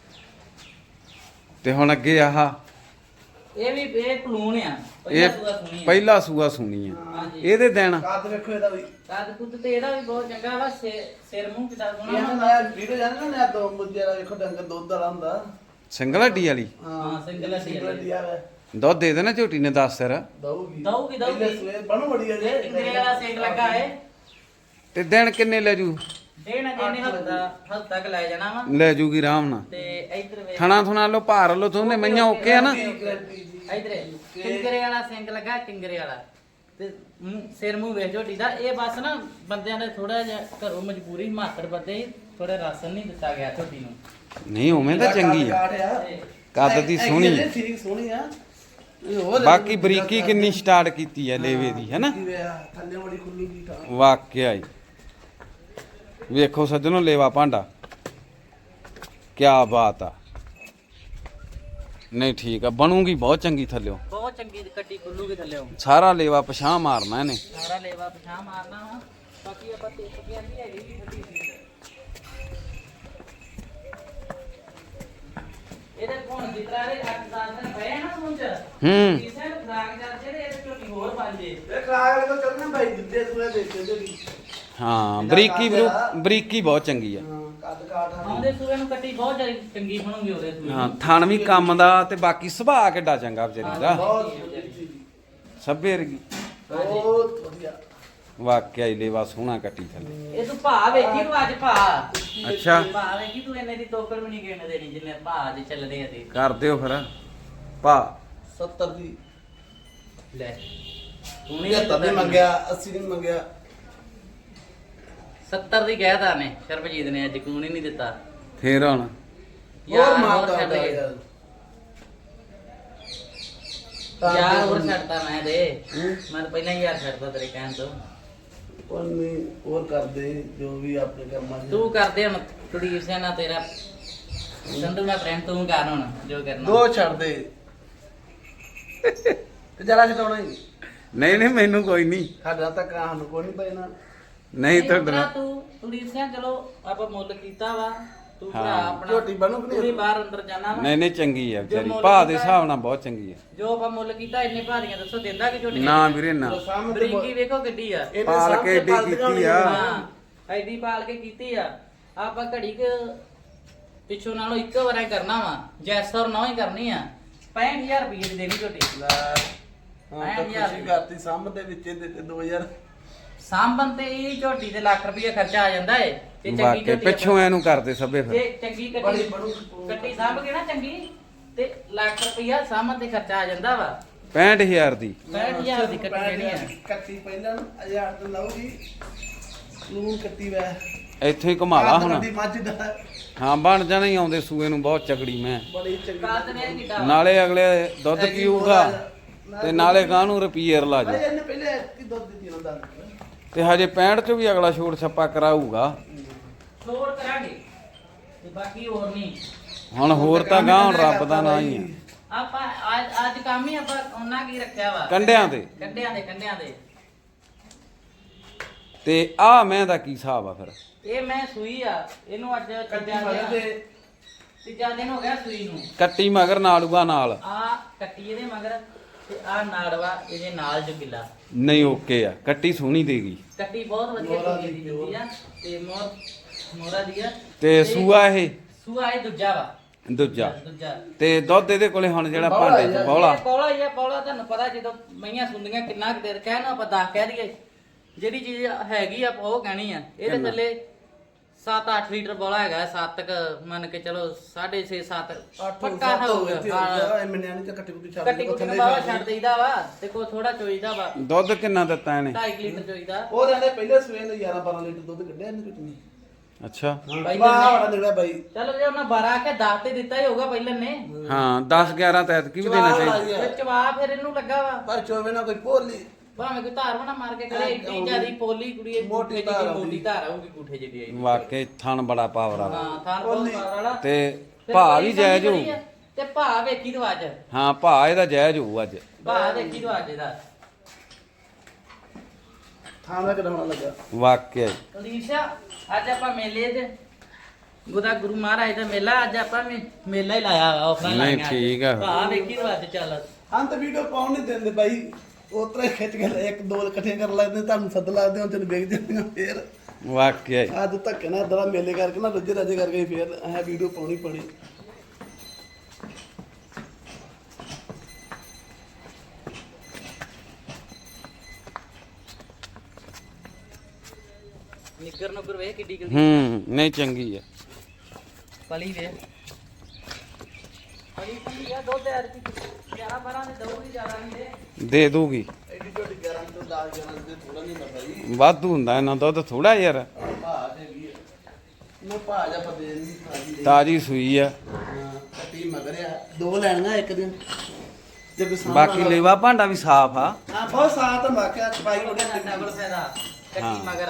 [SPEAKER 1] ਤੇ ਹੁਣ ਅੱਗੇ ਆਹ
[SPEAKER 2] ਇਹ ਵੀ ਇਹ ਪਲੂਨ ਆ
[SPEAKER 1] ਇਹ
[SPEAKER 2] ਪਹਿਲਾਂ ਸੂਆ ਸੁਣੀ ਆ।
[SPEAKER 1] ਪਹਿਲਾ ਸੂਆ ਸੁਣੀ ਆ।
[SPEAKER 2] ਹਾਂਜੀ
[SPEAKER 1] ਇਹਦੇ ਦਿਨ
[SPEAKER 3] ਕਾਦ ਵੇਖੋ ਇਹਦਾ ਵੀ
[SPEAKER 2] ਕੱਦ ਕੁੱਦ ਤੇ ਇਹਦਾ ਵੀ ਬਹੁਤ ਚੰਗਾ ਵਾ। ਸਿਰ ਮੂੰਹ ਕਿਦਾਂ
[SPEAKER 3] ਇਹ
[SPEAKER 2] ਸੋਹਣਾ
[SPEAKER 3] ਨਾ ਵੀਡੀਓ ਜਾਣਦਾ ਨਾ ਦੋ ਮੁੱਜੇ ਦਾ ਵੇਖੋ ਡੰਗਰ ਦੁੱਧ ਵਾਲਾ ਹੁੰਦਾ
[SPEAKER 1] ਸਿੰਗਲ ਹੱਡੀ ਵਾਲੀ
[SPEAKER 2] ਹਾਂ, ਸਿੰਗਲ ਹੱਡੀ ਵਾਲੀ।
[SPEAKER 3] ਹੱਡੀ ਵਾਲਾ
[SPEAKER 1] ਦੁੱਧ ਦੇ ਦੇਣਾ ਝੋਟੀ ਨੇ 10 ਸਿਰ।
[SPEAKER 3] ਦਊਗੀ
[SPEAKER 2] ਦਊਗੀ।
[SPEAKER 3] ਪਹਿਲੇ ਸੂਏ ਬਣੂ ਬੜੀ ਆ ਜੇ
[SPEAKER 2] ਇੰਦਰੇ ਵਾਲਾ ਸੇਕ ਲੱਗਾ ਏ।
[SPEAKER 1] ਤੇ ਦਿਨ ਕਿੰਨੇ ਲੈ ਜੂ?
[SPEAKER 2] ਦੇਣਾ ਜਿਹਨੇ ਹਫਤਾ ਤੱਕ ਲੈ ਜਾਣਾ ਵਾ।
[SPEAKER 1] ਲੈ ਜੂਗੀ ਆਰਾਮ ਨਾਲ।
[SPEAKER 2] ਤੇ ਇੱਧਰ ਵੇਖ
[SPEAKER 1] ਥਣਾ ਥੁਣਾ ਲੋ ਭਾਰ ਲੋ ਦੋਨੇ ਮਈਆਂ ਓਕੇ ਆ ਨਾ।
[SPEAKER 2] ਇੱਧਰ ਟਿੰਗਰੇ ਵਾਲਾ ਸਿੰਗ ਲੱਗਾ ਟਿੰਗਰੇ ਵਾਲਾ। ਤੇ ਸਿਰ ਮੂੰਹ ਵੇਖ ਝੋਟੀ ਦਾ। ਇਹ ਬਸ ਨਾ ਬੰਦਿਆਂ ਨੇ ਥੋੜਾ ਜਿਹਾ ਘਰੋਂ ਮਜਬੂਰੀ ਮਾਤਰ ਬੰਦੇ ਥੋੜਾ ਰਾਸ਼ਨ ਨਹੀਂ ਦਿੱਤਾ ਗਿਆ ਝੋਟੀ ਨੂੰ।
[SPEAKER 1] ਨਹੀਂ ਉਵੇਂ ਤਾਂ ਚੰਗੀ ਆ। ਕੱਦ ਦੀ ਸੋਹਣੀ ਆ।
[SPEAKER 3] ਠੀਕ ਸੋਹਣੀ ਆ ਇਹ ਹੋਰ
[SPEAKER 1] ਬਾਕੀ ਬਰੀਕੀ ਕਿੰਨੀ ਸਟਾਰਟ ਕੀਤੀ ਆ ਲੇਵੇ ਦੀ ਹੈਨਾ।
[SPEAKER 3] ਥੱਲੇ ਬੜੀ ਖੁੱਲੀ ਦੀ ਥਾਂ
[SPEAKER 1] ਵਾਕਿਆ ਹੀ। ਵੇਖੋ ਸੱਜਣੋ ਲੇਵਾ ਭਾਂਡਾ ਕਿਆ ਬਾਤ ਆ। ਨਹੀਂ ਠੀਕ ਆ ਬਣੂਗੀ ਬਹੁਤ ਚੰਗੀ ਥੱਲਿਓ।
[SPEAKER 2] ਬਹੁਤ ਚੰਗੀ ਕੱਟੀ ਖੁੱਲੂਗੀ ਥੱਲੇੋਂ।
[SPEAKER 1] ਸਾਰਾ ਲੇਵਾ ਪਛਾਂ ਮਾਰਨਾ ਇਹਨੇ।
[SPEAKER 2] ਸਾਰਾ ਲੇਵਾ ਪਛਾਣ ਮਾਰਨਾ ਵਾ। ਬਾਕੀ ਆਪਾਂ ਤੇ ਸਕੀ ਆਂਦੀ ਹੈਗੀ ਵੀ ਠੱਡੀ ਸੀ। ਇਹਦੇ ਕੋਣ ਜਿਤਰਾ ਦੇ 8-10 ਦਿਨ ਪਏ ਨਾ ਸੂੰਚ ਕਿਸੇ ਨੂੰ ਖਰਾਕ ਜਾਂਦੇ ਤੇ ਇਹਦੇ ਝੋਟੀ ਹੋਰ ਬਣ ਜੇ।
[SPEAKER 3] ਇਹ ਖਰਾਕ ਵਾਲੇ ਤੋਂ ਚੱਲਣਾ ਬਾਈ ਦਿੱਤੇ ਸੂਏ ਦੇਖੇ ਤੇ
[SPEAKER 1] ਹਾਂ ਬਰੀਕੀ ਬਹੁਤ ਚੰਗੀ ਆ।
[SPEAKER 3] ਕੱਦ ਕਾਠ
[SPEAKER 2] ਆਉਂਦੇ ਸੂਏ ਨੂੰ ਕੱਟੀ ਬਹੁਤ ਜ਼ਿਆਦਾ ਚੰਗੀ ਬਣੂਗੀ ਉਹਦੇ ਸੂਏ
[SPEAKER 1] ਹਾਂ ਥਣ ਵੀ ਕੰਮ ਦਾ ਤੇ ਬਾਕੀ ਸੁਭਾਅ ਕਿੱਡਾ ਚੰਗਾ ਵਿਚਾਰੀ ਦਾ।
[SPEAKER 3] ਬਹੁਤ
[SPEAKER 1] ਸੱਭੇ ਵਰਗੀ
[SPEAKER 3] ਬਹੁਤ ਵਧੀਆ
[SPEAKER 1] ਵਾਕਿਆ ਹੀ ਲੇਵਾ ਸੋਹਣਾ ਕੱਟੀ ਥੱਲੇ।
[SPEAKER 2] ਇਹ ਤੂੰ ਭਾ ਵੇਖੀ ਤੂੰ ਅੱਜ ਭਾ।
[SPEAKER 1] ਅੱਛਾ
[SPEAKER 2] ਭਾ ਵੇਖੀ ਤੂੰ ਇਹਨੇ ਦੀ ਤੋਕੜ ਵੀ ਨਹੀਂ ਗਿਣ ਦੇਣੀ ਜਿੰਨੇ ਭਾ ਅੱਜ ਚੱਲਦੇ ਆ ਤੇ।
[SPEAKER 1] ਕਰ ਦਿਓ ਫਿਰ ਭਾ
[SPEAKER 3] 70 ਦੀ
[SPEAKER 2] ਲੈ ਤੂੰ ਨਹੀਂ
[SPEAKER 3] 70 ਦੀ ਮੰਗਿਆ 80 ਦੀ ਮੰਗਿਆ
[SPEAKER 2] 70 ਦੀ ਕਹਿਤਾ ਨੇ ਸ਼ਰਬਜੀਤ ਨੇ ਅੱਜ ਕੂਣ ਹੀ ਨਹੀਂ ਦਿੱਤਾ।
[SPEAKER 1] ਫੇਰ ਹੁਣ
[SPEAKER 3] ਹੋਰ ਮਾਰਦਾ
[SPEAKER 2] ਛੱਡ
[SPEAKER 3] ਹੁੰਦਾ
[SPEAKER 2] ਗਏ।
[SPEAKER 3] ਯਾਰ
[SPEAKER 2] ਯਾਰ ਹੋਰ ਛੱਡਤਾ ਮੈਂ ਤੇ ਮੈਂ ਤਾਂ ਪਹਿਲਾਂ ਹੀ ਯਾਰ ਛੱਡਦਾ ਤੇਰੇ ਕਹਿਣ ਤੋਂ।
[SPEAKER 3] ਕੋਈ ਨਹੀਂ ਹੋਰ ਕਰਦੇ ਜੋ ਵੀ ਆਪਣੇ ਕੰਮਾਂ 'ਚ
[SPEAKER 2] ਤੂੰ ਕਰਦੇ ਹੁਣ ਕੁਲਦੀਪ ਸਿੰਘ ਨਾਲ ਤੇਰਾ ਸੰਧੂ ਨਾਲ ਫਰੈਂਡ ਤੂੰ ਕਰ ਹੁਣ ਜੋ ਕਰਨਾ।
[SPEAKER 3] ਦੋ ਛੱਡ ਦੇ ਤੇ ਜਰਾ ਛਡਾਉਣਾ ਹੀ
[SPEAKER 1] ਨਹੀਂ ਨਹੀਂ ਮੈਨੂੰ ਕੋਈ ਨਹੀਂ।
[SPEAKER 3] ਸਾਡਾ ਤਾਂ ਕਾਂ ਨੂੰ ਕੋਈ ਨਹੀਂ ਪੈਣਾ
[SPEAKER 1] ਨਹੀਂ
[SPEAKER 2] ਉਤਰਾ
[SPEAKER 1] ਤੁਹਾਡਾ
[SPEAKER 2] ਤੂੰ ਕੁਲਦੀਪ ਸਿੰਘ ਚਲੋ ਆਪਾਂ ਮੁੱਲ ਕੀਤਾ ਵਾ। ਤੂੰ ਭਰਾ
[SPEAKER 1] ਹਾਂ।
[SPEAKER 2] ਆਪਣਾ
[SPEAKER 3] ਝੋਟੀ ਬਣੂ ਕਿ ਨਹੀਂ?
[SPEAKER 2] ਤੂੰ ਵੀ ਬਾਹਰ ਅੰਦਰ ਜਾਣਾ ਵਾ।
[SPEAKER 1] ਨਹੀਂ ਨਹੀਂ ਚੰਗੀ ਆ ਵਿਚਾਰੀ
[SPEAKER 2] ਜੋ ਮੁੱਲ
[SPEAKER 1] ਭਾ ਦੇ
[SPEAKER 2] ਕੀਤਾ
[SPEAKER 1] ਹਿਸਾਬ ਨਾਲ ਬਹੁਤ ਚੰਗੀ ਆ।
[SPEAKER 2] ਜੋ ਆਪਾਂ ਮੁੱਲ ਕੀਤਾ ਇੰਨੇ ਭਾਰੀਆਂ ਦੱਸੋ ਦਿੰਦਾ ਕਿ ਝੋਟੀ
[SPEAKER 1] ਨਾ ਵੀਰੇ ਨਾ
[SPEAKER 3] ਸਾਹਮਣੇ ਤੇ
[SPEAKER 2] ਬਰੀਕੀ ਵੇਖੋ ਗੱਡੀ ਆ।
[SPEAKER 3] ਇਹਨੇ
[SPEAKER 1] ਪਾਲ
[SPEAKER 3] ਸਾਹਮਣੇ
[SPEAKER 1] ਕੇ ਏਡੀ
[SPEAKER 3] ਪਾਲਤੀਆਂ
[SPEAKER 1] ਕੀਤੀ ਆ।
[SPEAKER 3] ਹੋਣੀਆਂ।
[SPEAKER 2] ਹਾਂ ਐਡੀ ਪਾਲ ਕੇ ਕੀਤੀ ਆ। ਆਪਾਂ ਘੜੀ ਕ ਪਿੱਛੋਂ ਨਾਲੋਂ ਇੱਕੋ ਵਾਰ ਕਰਨਾ ਵਾ ਜੈਸ ਔਰ ਨਾ ਹੀ ਕਰਨੀ ਆ 65000 ਰੁਪਏ ਦੀ ਦੇਣੀ ਝੋਟੀ
[SPEAKER 3] ਲੈ ਹਾਂ ਤਾਂ ਖੁਸ਼ੀ ਕਰਤੀ ਸਾਹਮਣੇ ਦੇ ਵਿੱਚ ਦੇ 2000
[SPEAKER 2] ਸਾਂਭਣ ਤੇ ਇਹ ਝੋਟੀ ਤੇ ਲੱਖ ਰੁਪਏ ਖਰਚਾ ਆ ਜਾਂਦਾ ਏ ਤੇ ਚੰਗੀ
[SPEAKER 1] ਵਾਕੇ
[SPEAKER 2] ਝੋਟੀ
[SPEAKER 1] ਪਿੱਛੋਂ ਇਹਨੂੰ ਕਰਦੇ ਸਭੇ
[SPEAKER 2] ਤੇ
[SPEAKER 1] ਫਿਰ
[SPEAKER 2] ਚੰਗੀ
[SPEAKER 3] ਬੜੀ
[SPEAKER 2] ਕੱਟੀ ਸਾਂਭ ਕੇ ਨਾ ਚੰਗੀ ਤੇ ਲੱਖ ਰੁਪਇਆ ਸਾਂਭਣ ਤੇ ਖਰਚਾ ਆ ਜਾਂਦਾ ਵਾ
[SPEAKER 1] 65000 ਦੀ
[SPEAKER 2] 65000 ਦੀ ਕੱਟੀ ਦੇਣੀ ਆ
[SPEAKER 3] ਕੱਟੀ ਪਹਿਲਾਂ 1000 ਤੇ ਲਾਉਗੀ ਲੂਣ ਕੱਟੀ ਵੈ
[SPEAKER 1] ਇੱਥੋਂ ਹੀ ਘੁਮਾ ਲਾ ਹੁਣ
[SPEAKER 3] ਦੀ ਮੱਝ ਦਾ
[SPEAKER 1] ਹਾਂ ਬਣ ਜਾਣਾ ਹੀ ਆਉਂਦੇ ਸੂਏ ਨੂੰ ਬਹੁਤ ਚਗੜੀ ਮੈਂ
[SPEAKER 3] ਬੜੀ ਚੰਗੀ
[SPEAKER 2] ਕਾਦ ਨੇ ਕਿਡਾ
[SPEAKER 1] ਨਾਲੇ ਅਗਲੇ ਦੁੱਧ ਪੀਊਗਾ ਤੇ ਨਾਲੇ ਗਾਂ ਨੂੰ ਰੁਪਈਏ ਲਾ
[SPEAKER 3] ਭਾਈ
[SPEAKER 1] ਜਾ
[SPEAKER 3] ਇਹਨੇ ਪਹਿਲੇ ਕੀ ਦੁੱਧ ਦਿੱਤੀ ਹੁੰਦਾ
[SPEAKER 1] ਤੇ ਹਜੇ 65 ਚ ਵੀ ਅਗਲਾ ਛੋੜ ਛੱਪਾ ਕਰਾਊਗਾ
[SPEAKER 2] ਛੋੜ ਕਰਾਂਗੇ ਤੇ ਬਾਕੀ ਹੋਰ ਨਹੀਂ
[SPEAKER 1] ਹੁਣ ਹੋਰ ਤਾਂ ਗਾਂ ਹੁਣ ਰੱਬ ਦਾ ਨਾਂ ਹੀ ਆ
[SPEAKER 2] ਆਪਾਂ ਅੱਜ ਕੰਮ ਹੀ ਆਪਾਂ ਉਹਨਾਂ ਕੀ ਰੱਖਿਆ ਵਾ
[SPEAKER 1] ਕੰਡਿਆਂ ਤੇ
[SPEAKER 2] ਕੰਡਿਆਂ ਦੇ
[SPEAKER 1] ਤੇ ਆ ਮੈਂ ਦਾ ਕੀ ਹਿਸਾਬ ਆ ਫਿਰ
[SPEAKER 2] ਇਹ ਮੈਂ ਸੂਈ ਆ ਇਹਨੂੰ ਅੱਜ ਤੀਜਾ ਦਿਨ ਹੋ ਗਿਆ ਸੂਈ ਨੂੰ
[SPEAKER 1] ਕੱਟੀ ਮਗਰ ਨਾਲੂਗਾ ਨਾਲ
[SPEAKER 2] ਆ ਕੱਟੀ ਇਹਦੇ ਮਗਰ ਤੇ ਆ ਨਾੜਵਾ ਇਹਦੇ ਨਾਲ ਜੋ ਗਿੱਲਾ
[SPEAKER 1] ਨਹੀਂ ਓਕੇ ਆ ਕੱਟੀ ਸੋਹਣੀ ਦੇਗੀ
[SPEAKER 2] ਕੱਟੀ ਬਹੁਤ ਵਧੀਆ ਚੁਗੀ ਦੀ ਦਿੱਤੀ ਆ ਤੇ ਮੋਰਾ ਦੀ ਆ
[SPEAKER 1] ਤੇ ਸੂਆ ਇਹ
[SPEAKER 2] ਸੂਆ ਇਹ ਦੂਜਾ ਵਾ
[SPEAKER 1] ਦੂਜਾ
[SPEAKER 2] ਦੂਜਾ
[SPEAKER 1] ਤੇ ਦੁੱਧ ਇਹਦੇ ਕੋਲੇ ਹੁਣ ਜਿਹੜਾ ਭਾਂਡੇ ਚ ਬੌਲਾ
[SPEAKER 2] ਪੌਲਾ ਹੀ ਆ ਪੌਲਾ ਤੁਹਾਨੂੰ ਪਤਾ ਜਦੋਂ ਮਈਆਂ ਸੁੰਦੀਆਂ ਕਿੰਨਾ ਕੁ ਦੇਰ ਕਹਿ ਨਾ ਆਪਾਂ 10 ਕਹਿ ਦਈਏ ਜਿਹੜੀ ਚੀਜ਼ ਹੈਗੀ ਆ ਆਪਾਂ ਉਹ ਕਹਿਣੀ ਆ ਇਹਦੇ ਥੱਲੇ 7-8 ਲੀਟਰ ਬੋਲਾ ਹੈਗਾ 7 ਕ ਮੰਨ ਕੇ ਚਲੋ 6.5 7 ਪੱਕਾ ਹੋਊਗਾ
[SPEAKER 3] ਇਹ ਮੈਨਾਂ ਨੇ ਕੱਟੀ ਕੁੱਟੀ ਛੱਡ
[SPEAKER 2] ਕੱਟੀ ਕੁੱਟੀ ਬਾਵਾ ਛੱਡ ਦੇਈਦਾ ਵਾ ਤੇ ਕੋ ਥੋੜਾ ਚੋਈਦਾ ਵਾ
[SPEAKER 1] ਦੁੱਧ ਕਿੰਨਾ ਦਿੱਤਾ ਇਹਨੇ
[SPEAKER 2] 2.5 ਲੀਟਰ ਚੋਈਦਾ
[SPEAKER 3] ਉਹ ਕਹਿੰਦੇ ਪਹਿਲੇ ਸਵੇਰ ਨੂੰ 11-12 ਲੀਟਰ ਦੁੱਧ ਕੱਢਿਆ ਇਹਨੇ ਕੁਝ ਨਹੀਂ
[SPEAKER 1] ਅੱਛਾ
[SPEAKER 2] ਬਾਈ
[SPEAKER 3] ਵਾਹ ਬੜਾ ਨਿਕਲਿਆ ਬਾਈ
[SPEAKER 2] ਚਲੋ ਜੇ ਉਹਨਾਂ 12 ਕੇ 10 ਤੇ ਦਿੱਤਾ ਹੀ ਹੋਊਗਾ ਪਹਿਲਾਂ ਨੇ
[SPEAKER 1] ਹਾਂ 10 11 ਤੈਤ ਕੀ ਵੀ ਦੇਣਾ ਚਾਹੀਦਾ
[SPEAKER 2] ਤੇ ਚਵਾ ਫਿਰ ਇਹਨੂੰ ਲੱਗਾ ਵਾ
[SPEAKER 3] ਪਰ ਚੋਵੇ ਨਾ ਕੋਈ ਭੋਲੀ
[SPEAKER 2] ਭਾਵੇਂ ਕੋਈ ਧਾਰ ਬਣਾ ਮਾਰ ਕੇ ਖੜੇ ਏਡੀ ਜਿਆਦੀ ਪੋਲੀ ਕੁੜੀ ਇਹ
[SPEAKER 3] ਮੋਟੀ
[SPEAKER 2] ਮੋਟੀ
[SPEAKER 3] ਧਾਰ
[SPEAKER 2] ਮੋਟੀ ਧਾਰ ਆਊਗੀ ਗੂਠੇ ਜਿਹੜੀ ਆਈ
[SPEAKER 1] ਵਾਕਈ ਥਣ ਬੜਾ ਪਾਵਰ ਵਾਲਾ
[SPEAKER 2] ਹਾਂ ਥਾਂ ਬਹੁਤ ਪਾਵਰ ਵਾਲਾ
[SPEAKER 1] ਤੇ
[SPEAKER 2] ਫਿਰ
[SPEAKER 1] ਭਾ
[SPEAKER 2] ਕੋਈ
[SPEAKER 1] ਵੀ ਜਾਇਜ਼
[SPEAKER 2] ਸਮਝ
[SPEAKER 1] ਹੋਊ
[SPEAKER 2] ਆ, ਤੇ ਭਾ ਵੇਖੀ ਤੂੰ ਅੱਜ
[SPEAKER 1] ਹਾਂ ਭਾ ਇਹਦਾ ਜਾਇਜ਼ ਹੋਊ ਅੱਜ
[SPEAKER 2] ਭਾ ਦੇਖੀ ਤੂੰ ਅੱਜ ਇਹਦਾ
[SPEAKER 3] ਥਾਂ ਦਾ ਕਢਾਉਣਾ ਲੱਗਾ
[SPEAKER 1] ਵਾਕਈ
[SPEAKER 2] ਅਲੀਸ਼ਾ ਅੱਜ ਆਪਾਂ ਮੇਲੇ 'ਚ ਗੁਦਾ ਗੁਰੂ ਮਹਾਰਾਜ ਦਾ ਮੇਲਾ ਅੱਜ ਆਪਾਂ ਮੇਲਾ ਹੀ ਲਾਇਆ ਵਾ ਆਫਰਾਂ
[SPEAKER 1] ਨਹੀਂ,
[SPEAKER 2] ਲਾਈਆਂ ਅੱਜ।
[SPEAKER 1] ਠੀਕ ਆ।
[SPEAKER 2] ਭਾ ਵੇਖੀ ਤੂੰ ਅੱਜ ਚੱਲ
[SPEAKER 3] ਹਾਂ ਤਾਂ ਵੀਡੀਓ ਪਾਉਣ ਨਹੀਂ ਦਿੰਦੇ ਬਾਈ ਉਤਰੇ ਖਿੱਚ ਕੇ ਇੱਕ ਦੋ ਇਕੱਠੇ ਕਰ ਲੈਂਦੇ ਤੁਹਾਨੂੰ ਸੱਦ ਲਾਦੇ ਹੁਣ ਤੈਨੂੰ ਵੇਖ ਜਾਂਦੀਆਂ ਫੇਰ
[SPEAKER 1] ਵਾਕਈ
[SPEAKER 3] ਅੱਜ ਧੱਕੇ ਨਾਲ ਦਰਾ ਮੇਲੇ ਕਰਕੇ ਨਾ ਰੱਜੇ ਰਾਜੇ ਕਰਕੇ ਫੇਰ ਇਹ ਵੀਡੀਓ ਪਾਉਣੀ ਪਣੀ
[SPEAKER 2] ਨਿੱਗਰ ਨੁੱਗਰ ਵੇਖ ਕਿੱਡੀ ਕਿੱਡੀ
[SPEAKER 1] ਨਹੀਂ ਚੰਗੀ ਆ
[SPEAKER 2] ਪਲੀ ਵੇ ਪਲੀ ਪਲੀ ਆ ਦੋ ਤੇ ਅਰ 11 12 ਦੇ ਦਊਗੀ ਜ਼ਿਆਦਾ ਨਹੀਂ ਦੇ
[SPEAKER 1] ਦੇ ਦੂਗੀ
[SPEAKER 3] ਐਡੀ ਛੋਟੀ 11 ਤੋਂ 10 11 ਦੇ ਥੋੜਾ ਨਹੀਂ ਲੱਗਦਾ ਜੀ
[SPEAKER 1] ਵਾਧੂ ਹੁੰਦਾ ਇਹਨਾਂ ਦੁੱਧ ਥੋੜਾ ਯਾਰ
[SPEAKER 3] ਭਾਅ ਹੈਗੀ ਆ ਮੈਂ ਭਾਅ ਜਾ ਪਤੇ ਨਹੀਂ ਭਾਜੀ
[SPEAKER 1] ਤਾਜੀ ਸੂਈ ਆ
[SPEAKER 3] ਕੱਟੀ ਮਗਰਿਆ ਦੋ ਲੈਣੀਆਂ ਇੱਕ ਦਿਨ ਜੇ ਕੋਈ ਸਾਹਮਣੇ
[SPEAKER 1] ਬਾਕੀ ਲੇਵਾ ਭਾਂਡਾ ਵੀ ਸਾਫ਼ ਆ
[SPEAKER 3] ਹਾਂ ਬਹੁਤ ਸਾਥ ਮਾਕਿਆ ਚਪਾਈ ਉਹਦੇ
[SPEAKER 2] ਡਬਲ ਫਾਇਦਾ ਕੱਟੀ ਮਗਰ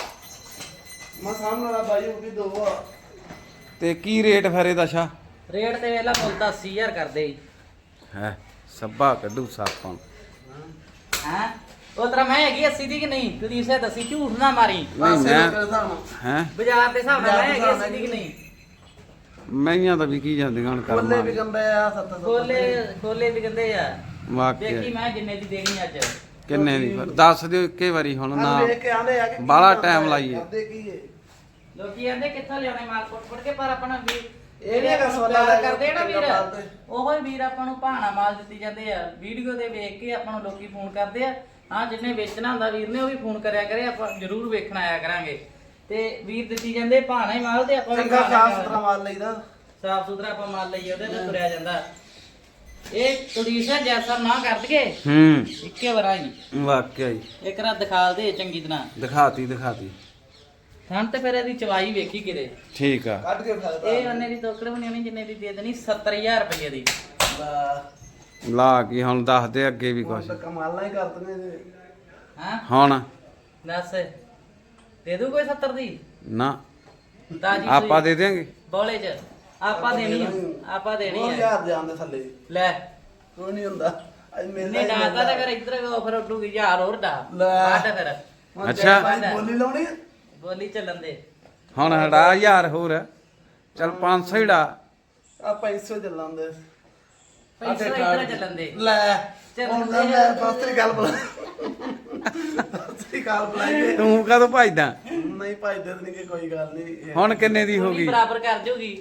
[SPEAKER 3] ਮੈਂ ਸਾਹਮਣੇ ਵਾਲਾ ਬਾਈ ਉਹ ਵੀ ਦੋ ਆ
[SPEAKER 1] ਤੇ ਕੀ ਰੇਟ ਫਿਰ ਇਹਦਾ ਸ਼ਾ
[SPEAKER 2] ਰੇਟ ਤੇ ਵੇਲਾ ਮੁੱਲ ਤਾਂ 80000 ਕਰਦੇ
[SPEAKER 1] ਹੈ ਸੱਬਾ ਕੱਢੂ ਸਾਪਾਂ
[SPEAKER 2] ਹਾਂ ਉਹ ਤਰ੍ਹਾਂ ਮੈਂ ਹੈਗੀ 80 ਦੀ ਕਿ ਨਹੀਂ ਕੁਲਦੀਪ ਸਿੰਘ ਦੱਸੀ ਝੂਠ ਨਾ ਮਾਰੀ
[SPEAKER 1] ਨਹੀਂ ਮੈਂ ਹੈ
[SPEAKER 2] ਬਾਜ਼ਾਰ ਦੇ ਹਿਸਾਬ ਨਾਲ ਮੈਂ ਹੈਗੀ 80 ਦੀ ਕਿ ਨਹੀਂ
[SPEAKER 1] ਮਹੀਆਂ ਤਾਂ ਵਿਕੀ ਜਾਂਦੀਆਂ ਹੁਣ
[SPEAKER 3] ਕੋਲੇ
[SPEAKER 1] ਕਰਮਾਂ
[SPEAKER 3] ਵੀ ਗੰਦੇ ਆ 700
[SPEAKER 2] ਖੋਲੇ ਵੀ ਕਹਿੰਦੇ ਆ ਦੇਖੀ
[SPEAKER 1] ਵਾਕਈ
[SPEAKER 2] ਮੈਂ ਜਿੰਨੇ ਦੀ ਦੇਣੀ ਅੱਜ
[SPEAKER 1] ਕਿੰਨੇ ਦੀ ਫਿਰ ਦੱਸ ਦਿਓ ਇੱਕੇ ਵਾਰੀ ਹੁਣ ਨਾ
[SPEAKER 3] ਵੇਖ ਕੇ ਆਂਦੇ ਆ ਕਿ
[SPEAKER 1] ਬਾਹਲਾ time ਲਾਈਏ।
[SPEAKER 3] ਕਰਦੇ ਕੀ ਏ
[SPEAKER 2] ਲੋਕੀ ਕਹਿੰਦੇ ਕਿੱਥੋਂ ਲਿਆਉਣੇ ਮਾਲ ਪੁੱਟ ਕੇ ਪਰ ਆਪਣਾ ਵੀ
[SPEAKER 3] ਇਹ ਨੀ ਹੈਗਾ ਸਵਾਲਾਂ
[SPEAKER 2] ਪਿਆਰ
[SPEAKER 3] ਲੈ
[SPEAKER 2] ਕਰਦੇ ਆ ਨਾ ਵੀਰ
[SPEAKER 3] ਪਾਲਦੇ।
[SPEAKER 2] ਉਹੋ ਹੀ ਵੀਰ ਆਪਾਂ ਨੂੰ ਭਾਣਾ ਮਾਲ ਦਿੱਤੀ ਜਾਂਦੇ ਆ ਵੀਡੀਓ ਦੇ ਵੇਖ ਕੇ ਆਪਾਂ ਨੂੰ ਲੋਕੀ ਫੋਨ ਕਰਦੇ ਆ ਹਾਂ ਜਿੰਨੇ ਵੇਚਣਾ ਹੁੰਦਾ ਵੀਰ ਨੇ ਉਹ ਵੀ ਫੋਨ ਕਰਿਆ ਕਰੇ ਆਪਾਂ ਜ਼ਰੂਰ ਵੇਖਣ ਆਇਆ ਕਰਾਂਗੇ ਤੇ ਵੀਰ ਦਿੱਤੀ ਜਾਂਦੇ ਭਾਣਾ ਹੀ ਮਾਲ ਤੇ ਆਪਾਂ ਵੀ
[SPEAKER 3] ਚੰਗਾ ਸਾਫ ਸੁਥਰਾ ਮਾਲ ਲਈਦਾ
[SPEAKER 2] ਸਾਫ ਸੁਥਰਾ ਆਪਾਂ ਮਾਲ ਲਈਏ ਉਹਦੇ ਤੇ ਤੁਰਿਆ ਜਾਂਦਾ ਇਹ ਕੁਲਦੀਪ ਜੈਸਾ ਨਾ ਕਰ ਦਈਏ ਇੱਕੇ ਵਾਰ ਆਈ
[SPEAKER 1] ਵਾਕਈ
[SPEAKER 2] ਇੱਕ ਰਾਤ ਦਿਖਾਲ ਦੇ ਚੰਗੀ ਤਰ੍ਹਾਂ
[SPEAKER 1] ਦਿਖਾਤੀ
[SPEAKER 2] ਹੁਣ ਤੇ ਫਿਰ ਇਹਦੀ ਚਵਾਈ ਵੇਖੀ ਕਿਤੇ
[SPEAKER 1] ਠੀਕ ਆ
[SPEAKER 3] ਕੱਢ ਕੇ ਫਾਇਦਾ
[SPEAKER 2] ਇਹ ਉਹਨੇ ਦੀ ਤੋਕੜ ਬਣੀ ਹੋਣੀ ਜਿੰਨੇ ਦੀ ਦੇ ਦੇਣੀ 70000 ਰੁਪਏ ਦੀ
[SPEAKER 1] ਲਾ ਕੀ ਹੁਣ ਦੱਸ ਦੇ ਅੱਗੇ ਵੀ ਕੁਛ
[SPEAKER 3] ਤਾਂ ਕਮਾਲਾਂ ਹੀ ਕਰਦੇ ਨੇ
[SPEAKER 2] ਹਾਂ
[SPEAKER 1] ਹੁਣ
[SPEAKER 2] ਦੱਸ ਦੇ ਦੂ ਕੋਈ 70 ਦੀ
[SPEAKER 1] ਨਾ
[SPEAKER 2] ਤਾਜੀ
[SPEAKER 1] ਆਪਾਂ ਦੇ ਦਿਆਂਗੇ
[SPEAKER 2] ਬੋਲੇ ਚ ਆਪਾਂ ਦੇਣੀ ਆ ਆਪਾਂ ਦੇਣੀ ਆ
[SPEAKER 3] 2000 ਦੇ ਆਂਦੇ ਥੱਲੇ
[SPEAKER 2] ਲੈ
[SPEAKER 3] ਕੋਈ ਨਹੀਂ ਹੁੰਦਾ ਅੱਜ ਮੇਲਾ
[SPEAKER 2] ਨੇ
[SPEAKER 3] ਹੀ
[SPEAKER 2] ਡਾਤਾ
[SPEAKER 3] ਮੇਲਾ।
[SPEAKER 2] ਤਾਂ ਕਰ ਇੱਧਰ ਆਫਰ ਉੱਡੂਗੀ 1000 ਹੋਰ ਡਾ
[SPEAKER 3] ਲੈ।
[SPEAKER 2] ਬਾਟ ਫਿਰ
[SPEAKER 3] ਹੁਣ
[SPEAKER 1] ਅੱਛਾ।
[SPEAKER 3] ਭਾਈ ਬੋਲੀ ਲਾਉਣੀ ਆ?
[SPEAKER 2] ਬੋਲੀ ਚੱਲਣ ਦੇ
[SPEAKER 1] ਹੁਣ ਹਟਾ 1000 ਹੋਰ ਚਲ 500 ਹੀ ਡਾ
[SPEAKER 3] ਆ 500 ਚੱਲਾਂਦੇ
[SPEAKER 2] ਪੈਸੇ ਇੱਧਰ ਚੱਲਣ ਦੇ
[SPEAKER 3] ਲੈ
[SPEAKER 2] ਚੱਲ
[SPEAKER 3] ਹੁਣ
[SPEAKER 2] ਦੇ।
[SPEAKER 3] ਮੈਂ ਫਸਰੀ ਗੱਲ ਬੁਲਾ ਫਸਰੀ ਗੱਲ ਬੁਲਾਈਏ
[SPEAKER 1] ਤੂੰ ਕਦੋਂ ਭਜਦਾ
[SPEAKER 3] ਨਹੀਂ ਭਾਈ ਦੇ ਨਹੀਂ ਕੋਈ ਗੱਲ ਨਹੀਂ
[SPEAKER 1] ਹੁਣ ਕਿੰਨੇ ਦੀ ਹੋ
[SPEAKER 2] ਪੂਰੀ
[SPEAKER 1] ਗਈ
[SPEAKER 2] ਬਰਾਬਰ ਕਰ ਜੂਗੀ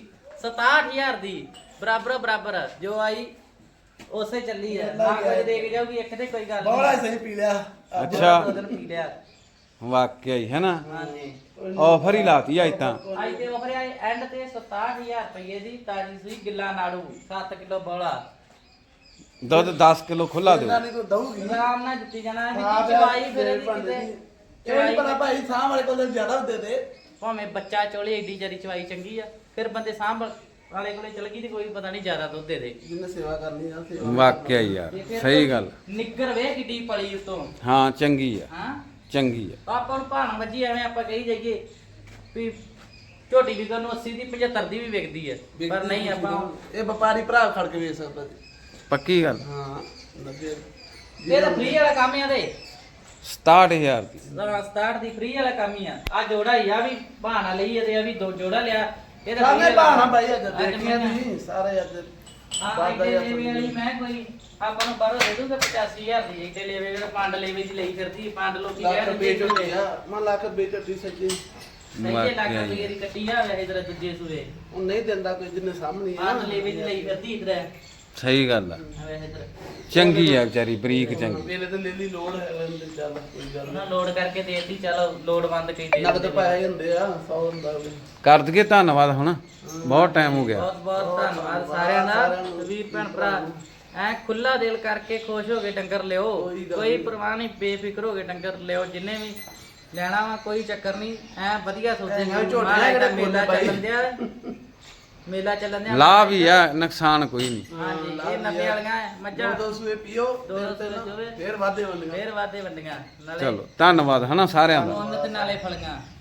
[SPEAKER 2] 67000 ਦੀ ਬਰਾਬਰ ਜੋ ਆਈ ਉਸੇ ਚੱਲੀ ਆ ਨਾ ਕੋਈ ਦੇ ਕੇ ਜਾਊਗੀ ਇੱਕ ਤੇ ਕੋਈ ਗੱਲ
[SPEAKER 3] ਬੋਲਾ
[SPEAKER 2] ਨਹੀਂ
[SPEAKER 3] ਸਹੀ ਪੀ ਲਿਆ
[SPEAKER 1] ਅੱਛਾ
[SPEAKER 2] ਦੋ ਦਿਨ ਪੀ ਲਿਆ
[SPEAKER 1] ਵਾਕਿਆ ਹੀ ਹੈ ਨਾ
[SPEAKER 2] ਹਾਂਜੀ
[SPEAKER 1] ਆਫਰ ਹੀ ਲਾਤੀ ਅੱਜ ਤਾਂ
[SPEAKER 2] ਅੱਜ ਤੇ ਆਫਰ ਆਈ ਐਂਡ ਤੇ 67000 ਰੁਪਏ ਦੀ ਤਾਜੀ ਸੂਈ ਗਿੱਲਾ ਨਾੜੂ 7 ਕਿਲੋ ਬੋਲਾ
[SPEAKER 1] ਦੁੱਧ 10 ਕਿਲੋ ਖੁੱਲਾ ਦਿਓ
[SPEAKER 3] ਇਹਨਾਂ ਨੇ ਕੋਈ ਦਊਗੀ
[SPEAKER 2] ਆਰਾਮ ਨਾਲ ਦਿੱਤੀ ਜਾਣਾ
[SPEAKER 3] ਹਾਂ
[SPEAKER 2] ਵੀ ਚਵਾਈ ਫਿਰ ਇਹਦੀ
[SPEAKER 3] ਭਾਂਡੇ
[SPEAKER 2] ਕਿਤੇ
[SPEAKER 3] ਦੀ। ਇਹ ਨੀ ਪਤਾ ਭਾਈ ਸਾਹ ਵਾਲੇ ਕੋਲ ਜ਼ਿਆਦਾ ਹੁੰਦੇ ਤੇ
[SPEAKER 2] ਭਾਵੇਂ ਬੱਚਾ ਚੋਲੇ ਏਡੀ ਜਰੀ ਚਵਾਈ ਚੰਗੀ ਆ ਫਿਰ ਬੰਦੇ ਸਾਂਭ ਵਾਲੇ ਕੋਲੇ ਚਲ ਗਈ ਤੇ ਕੋਈ ਪਤਾ ਨਹੀਂ ਜ਼ਿਆਦਾ ਦੁੱਧ ਦੇ ਦੇ
[SPEAKER 3] ਜਿਹਨੇ ਸੇਵਾ ਕਰਨੀ ਆ ਸੇਵਾ
[SPEAKER 1] ਵਾਕਿਆ ਹੀ ਯਾਰ
[SPEAKER 2] ਤੇ ਫਿਰ
[SPEAKER 1] ਸਹੀ ਗੱਲ
[SPEAKER 2] ਨਿੱਗਰ ਵੇ ਕਿੱਡੀ ਪਲੀ ਉਤੋਂ
[SPEAKER 1] ਹਾਂ ਚੰਗੀ ਆ
[SPEAKER 2] ਹਾਂ
[SPEAKER 1] ਚੰਗੀ ਆ
[SPEAKER 2] ਆਪਾਂ ਨੂੰ ਭਾਣ ਵੱਜੀ ਐਵੇਂ ਆਪਾਂ ਕਹੀ ਜਾਈਏ ਵੀ ਝੋਟੀ ਵੀ ਨੂੰ 80 ਦੀ 75 ਦੀ ਵੀ ਵਿਕਦੀ ਹੈ ਪਰ ਨਹੀਂ ਆਪਾਂ
[SPEAKER 3] ਇਹ ਵਪਾਰੀ ਭਰਾ ਖੜ ਕੇ ਵੇਚ ਸਕਦਾ ਜੀ
[SPEAKER 1] ਪੱਕੀ ਗੱਲ
[SPEAKER 3] ਹਾਂ ਲੱਗੇ
[SPEAKER 2] ਇਹ ਤਾਂ ਫ੍ਰੀ ਵਾਲਾ ਕੰਮ ਆ ਦੇ
[SPEAKER 1] 67000 ਦੀ
[SPEAKER 2] ਸਟਾਰਟ ਦੀ ਫ੍ਰੀ ਵਾਲਾ ਕੰਮ ਹੀ ਆ ਜੋੜਾ ਹੀ ਆ ਵੀ ਬਹਾਨਾ ਲਈ ਤੇ ਆ ਵੀ ਦੋ ਜੋੜਾ ਲਿਆ ਇਹ ਤਾਂ
[SPEAKER 3] ਸਾਹਮਣੇ
[SPEAKER 2] free ਵਾਲਾ
[SPEAKER 3] ਬਾਣਾ
[SPEAKER 2] ਕੰਮ।
[SPEAKER 3] ਭਾਈ ਅੱਜ
[SPEAKER 2] ਅੱਜ
[SPEAKER 3] ਦੇਖਿਆ
[SPEAKER 2] ਮੈਂ-
[SPEAKER 3] ਨਹੀਂ ਸਾਰੇ ਅੱਜ
[SPEAKER 2] ਹਾਂ
[SPEAKER 3] ਬਾਦਾ
[SPEAKER 2] ਇੱਥੇ ਲੇਵੇ ਵਾਲੀ ਮੈਂ ਕੋਈ ਆਪਾਂ ਨੂੰ ਬਾਹਰੋਂ ਦੇ ਦੂੰਗਾ 85000 ਦੀ ਇੱਥੇ ਲੇਵੇ ਜਿਹੜਾ ਪੰਡ ਲੇਵੇ ਦੀ ਲਈ ਫਿਰਦੀ ਪੰਡ ਲੋਕੀ
[SPEAKER 3] ਲੱਖ
[SPEAKER 2] ਕਹਿ
[SPEAKER 3] ਰੁਪਏ
[SPEAKER 2] ਦਿੰਦੇ
[SPEAKER 3] ਝੋਟੀ ਆ ਮੈਂ ਲੱਖ ਰੁਪਏ ਝੋਟੀ ਸੱਚੀ
[SPEAKER 2] ਸਹੀ ਲੱਖ ਰੁਪਏ ਦੀ ਕੱਟੀ ਆ ਵੈਸੇ ਜਰਾ ਦੂਜੇ ਸੂਏ
[SPEAKER 3] ਉਹ ਨਹੀਂ ਦਿੰਦਾ ਕੋਈ ਜਿੰਨੇ ਸਾਹਮਣੇ ਆ
[SPEAKER 2] ਪੰਡ ਲੇਵੇ ਦੀ ਲਈ ਫਿਰਦੀ ਇਧਰ
[SPEAKER 1] ਸਹੀ ਗੱਲ ਆ
[SPEAKER 2] ਵੈਸੇ ਇਧਰ
[SPEAKER 1] ਚੰਗੀ ਆ ਵਿਚਾਰੀ ਬਰੀਕ ਚੰਗੀ
[SPEAKER 3] ਮੇਰੇ ਤੇ ਲੈਲੀ ਲੋੜ ਹੈ ਲੈਂਦੇ ਚੱਲ ਕੋਈ ਗੱਲ
[SPEAKER 2] ਉਹਨਾਂ ਲੋਡ ਕਰਕੇ ਦੇਤੀ ਚਲੋ ਲੋਡ ਬੰਦ ਕਈ ਦੇ
[SPEAKER 3] ਨਗਦ ਪੈਸੇ ਹੁੰਦੇ ਆ 100 ਹੁੰਦਾ ਵੀ
[SPEAKER 1] ਕਰ ਦਈਏ ਧੰਨਵਾਦ ਹੁਣ ਬਹੁਤ ਟਾਈਮ ਹੋ ਗਿਆ
[SPEAKER 2] ਬਹੁਤ ਬਹੁਤ ਧੰਨਵਾਦ ਸਾਰਿਆਂ ਦਾ ਵੀ ਭੈਣ ਭਰਾ ਐ ਖੁੱਲਾ ਦਿਲ ਕਰਕੇ ਖੁਸ਼ ਹੋ ਕੇ ਡੰਗਰ ਲਿਓ ਕੋਈ ਪਰਵਾਹ ਨਹੀਂ ਬੇਫਿਕਰ ਹੋ ਕੇ ਡੰਗਰ ਲਿਓ ਜਿੰਨੇ ਵੀ ਲੈਣਾ ਵਾ ਕੋਈ ਚੱਕਰ ਨਹੀਂ ਐ ਵਧੀਆ ਸੋਚੇ
[SPEAKER 3] ਐਂ ਝੋਟੀਆਂ ਜਿਹੜੇ
[SPEAKER 2] ਮੇਲਾ
[SPEAKER 3] ਫੁੱਲ
[SPEAKER 2] ਚੱਲਣ ਦਿਆ ਮੇਲਾ ਚੱਲਣ ਦਿਆ
[SPEAKER 1] ਲਾਭ ਹੀ ਆ ਨੁਕਸਾਨ ਕੋਈ ਨਹੀਂ
[SPEAKER 2] ਹਾਂਜੀ ਇਹ 90 ਵਾਲੀਆਂ ਐ, ਮੱਝਾਂ
[SPEAKER 3] ਦੋ ਸੂਏ ਪੀਓ
[SPEAKER 2] ਦੋ ਸੂਏ ਚੋਵੇ,
[SPEAKER 3] ਫੇਰ ਵਾਦੇ ਵੰਡੀਆਂ
[SPEAKER 2] ਫੇਰ ਵਾਦੇ ਵੰਡੀਆਂ ਨਾਲੇ
[SPEAKER 1] ਚਲੋ ਧੰਨਵਾਦ ਹਨਾ ਸਾਰਿਆਂ ਦਾ
[SPEAKER 2] ਉਹਨਾਂ ਤੇ ਨਾਲੇ ਫਲੀਆਂ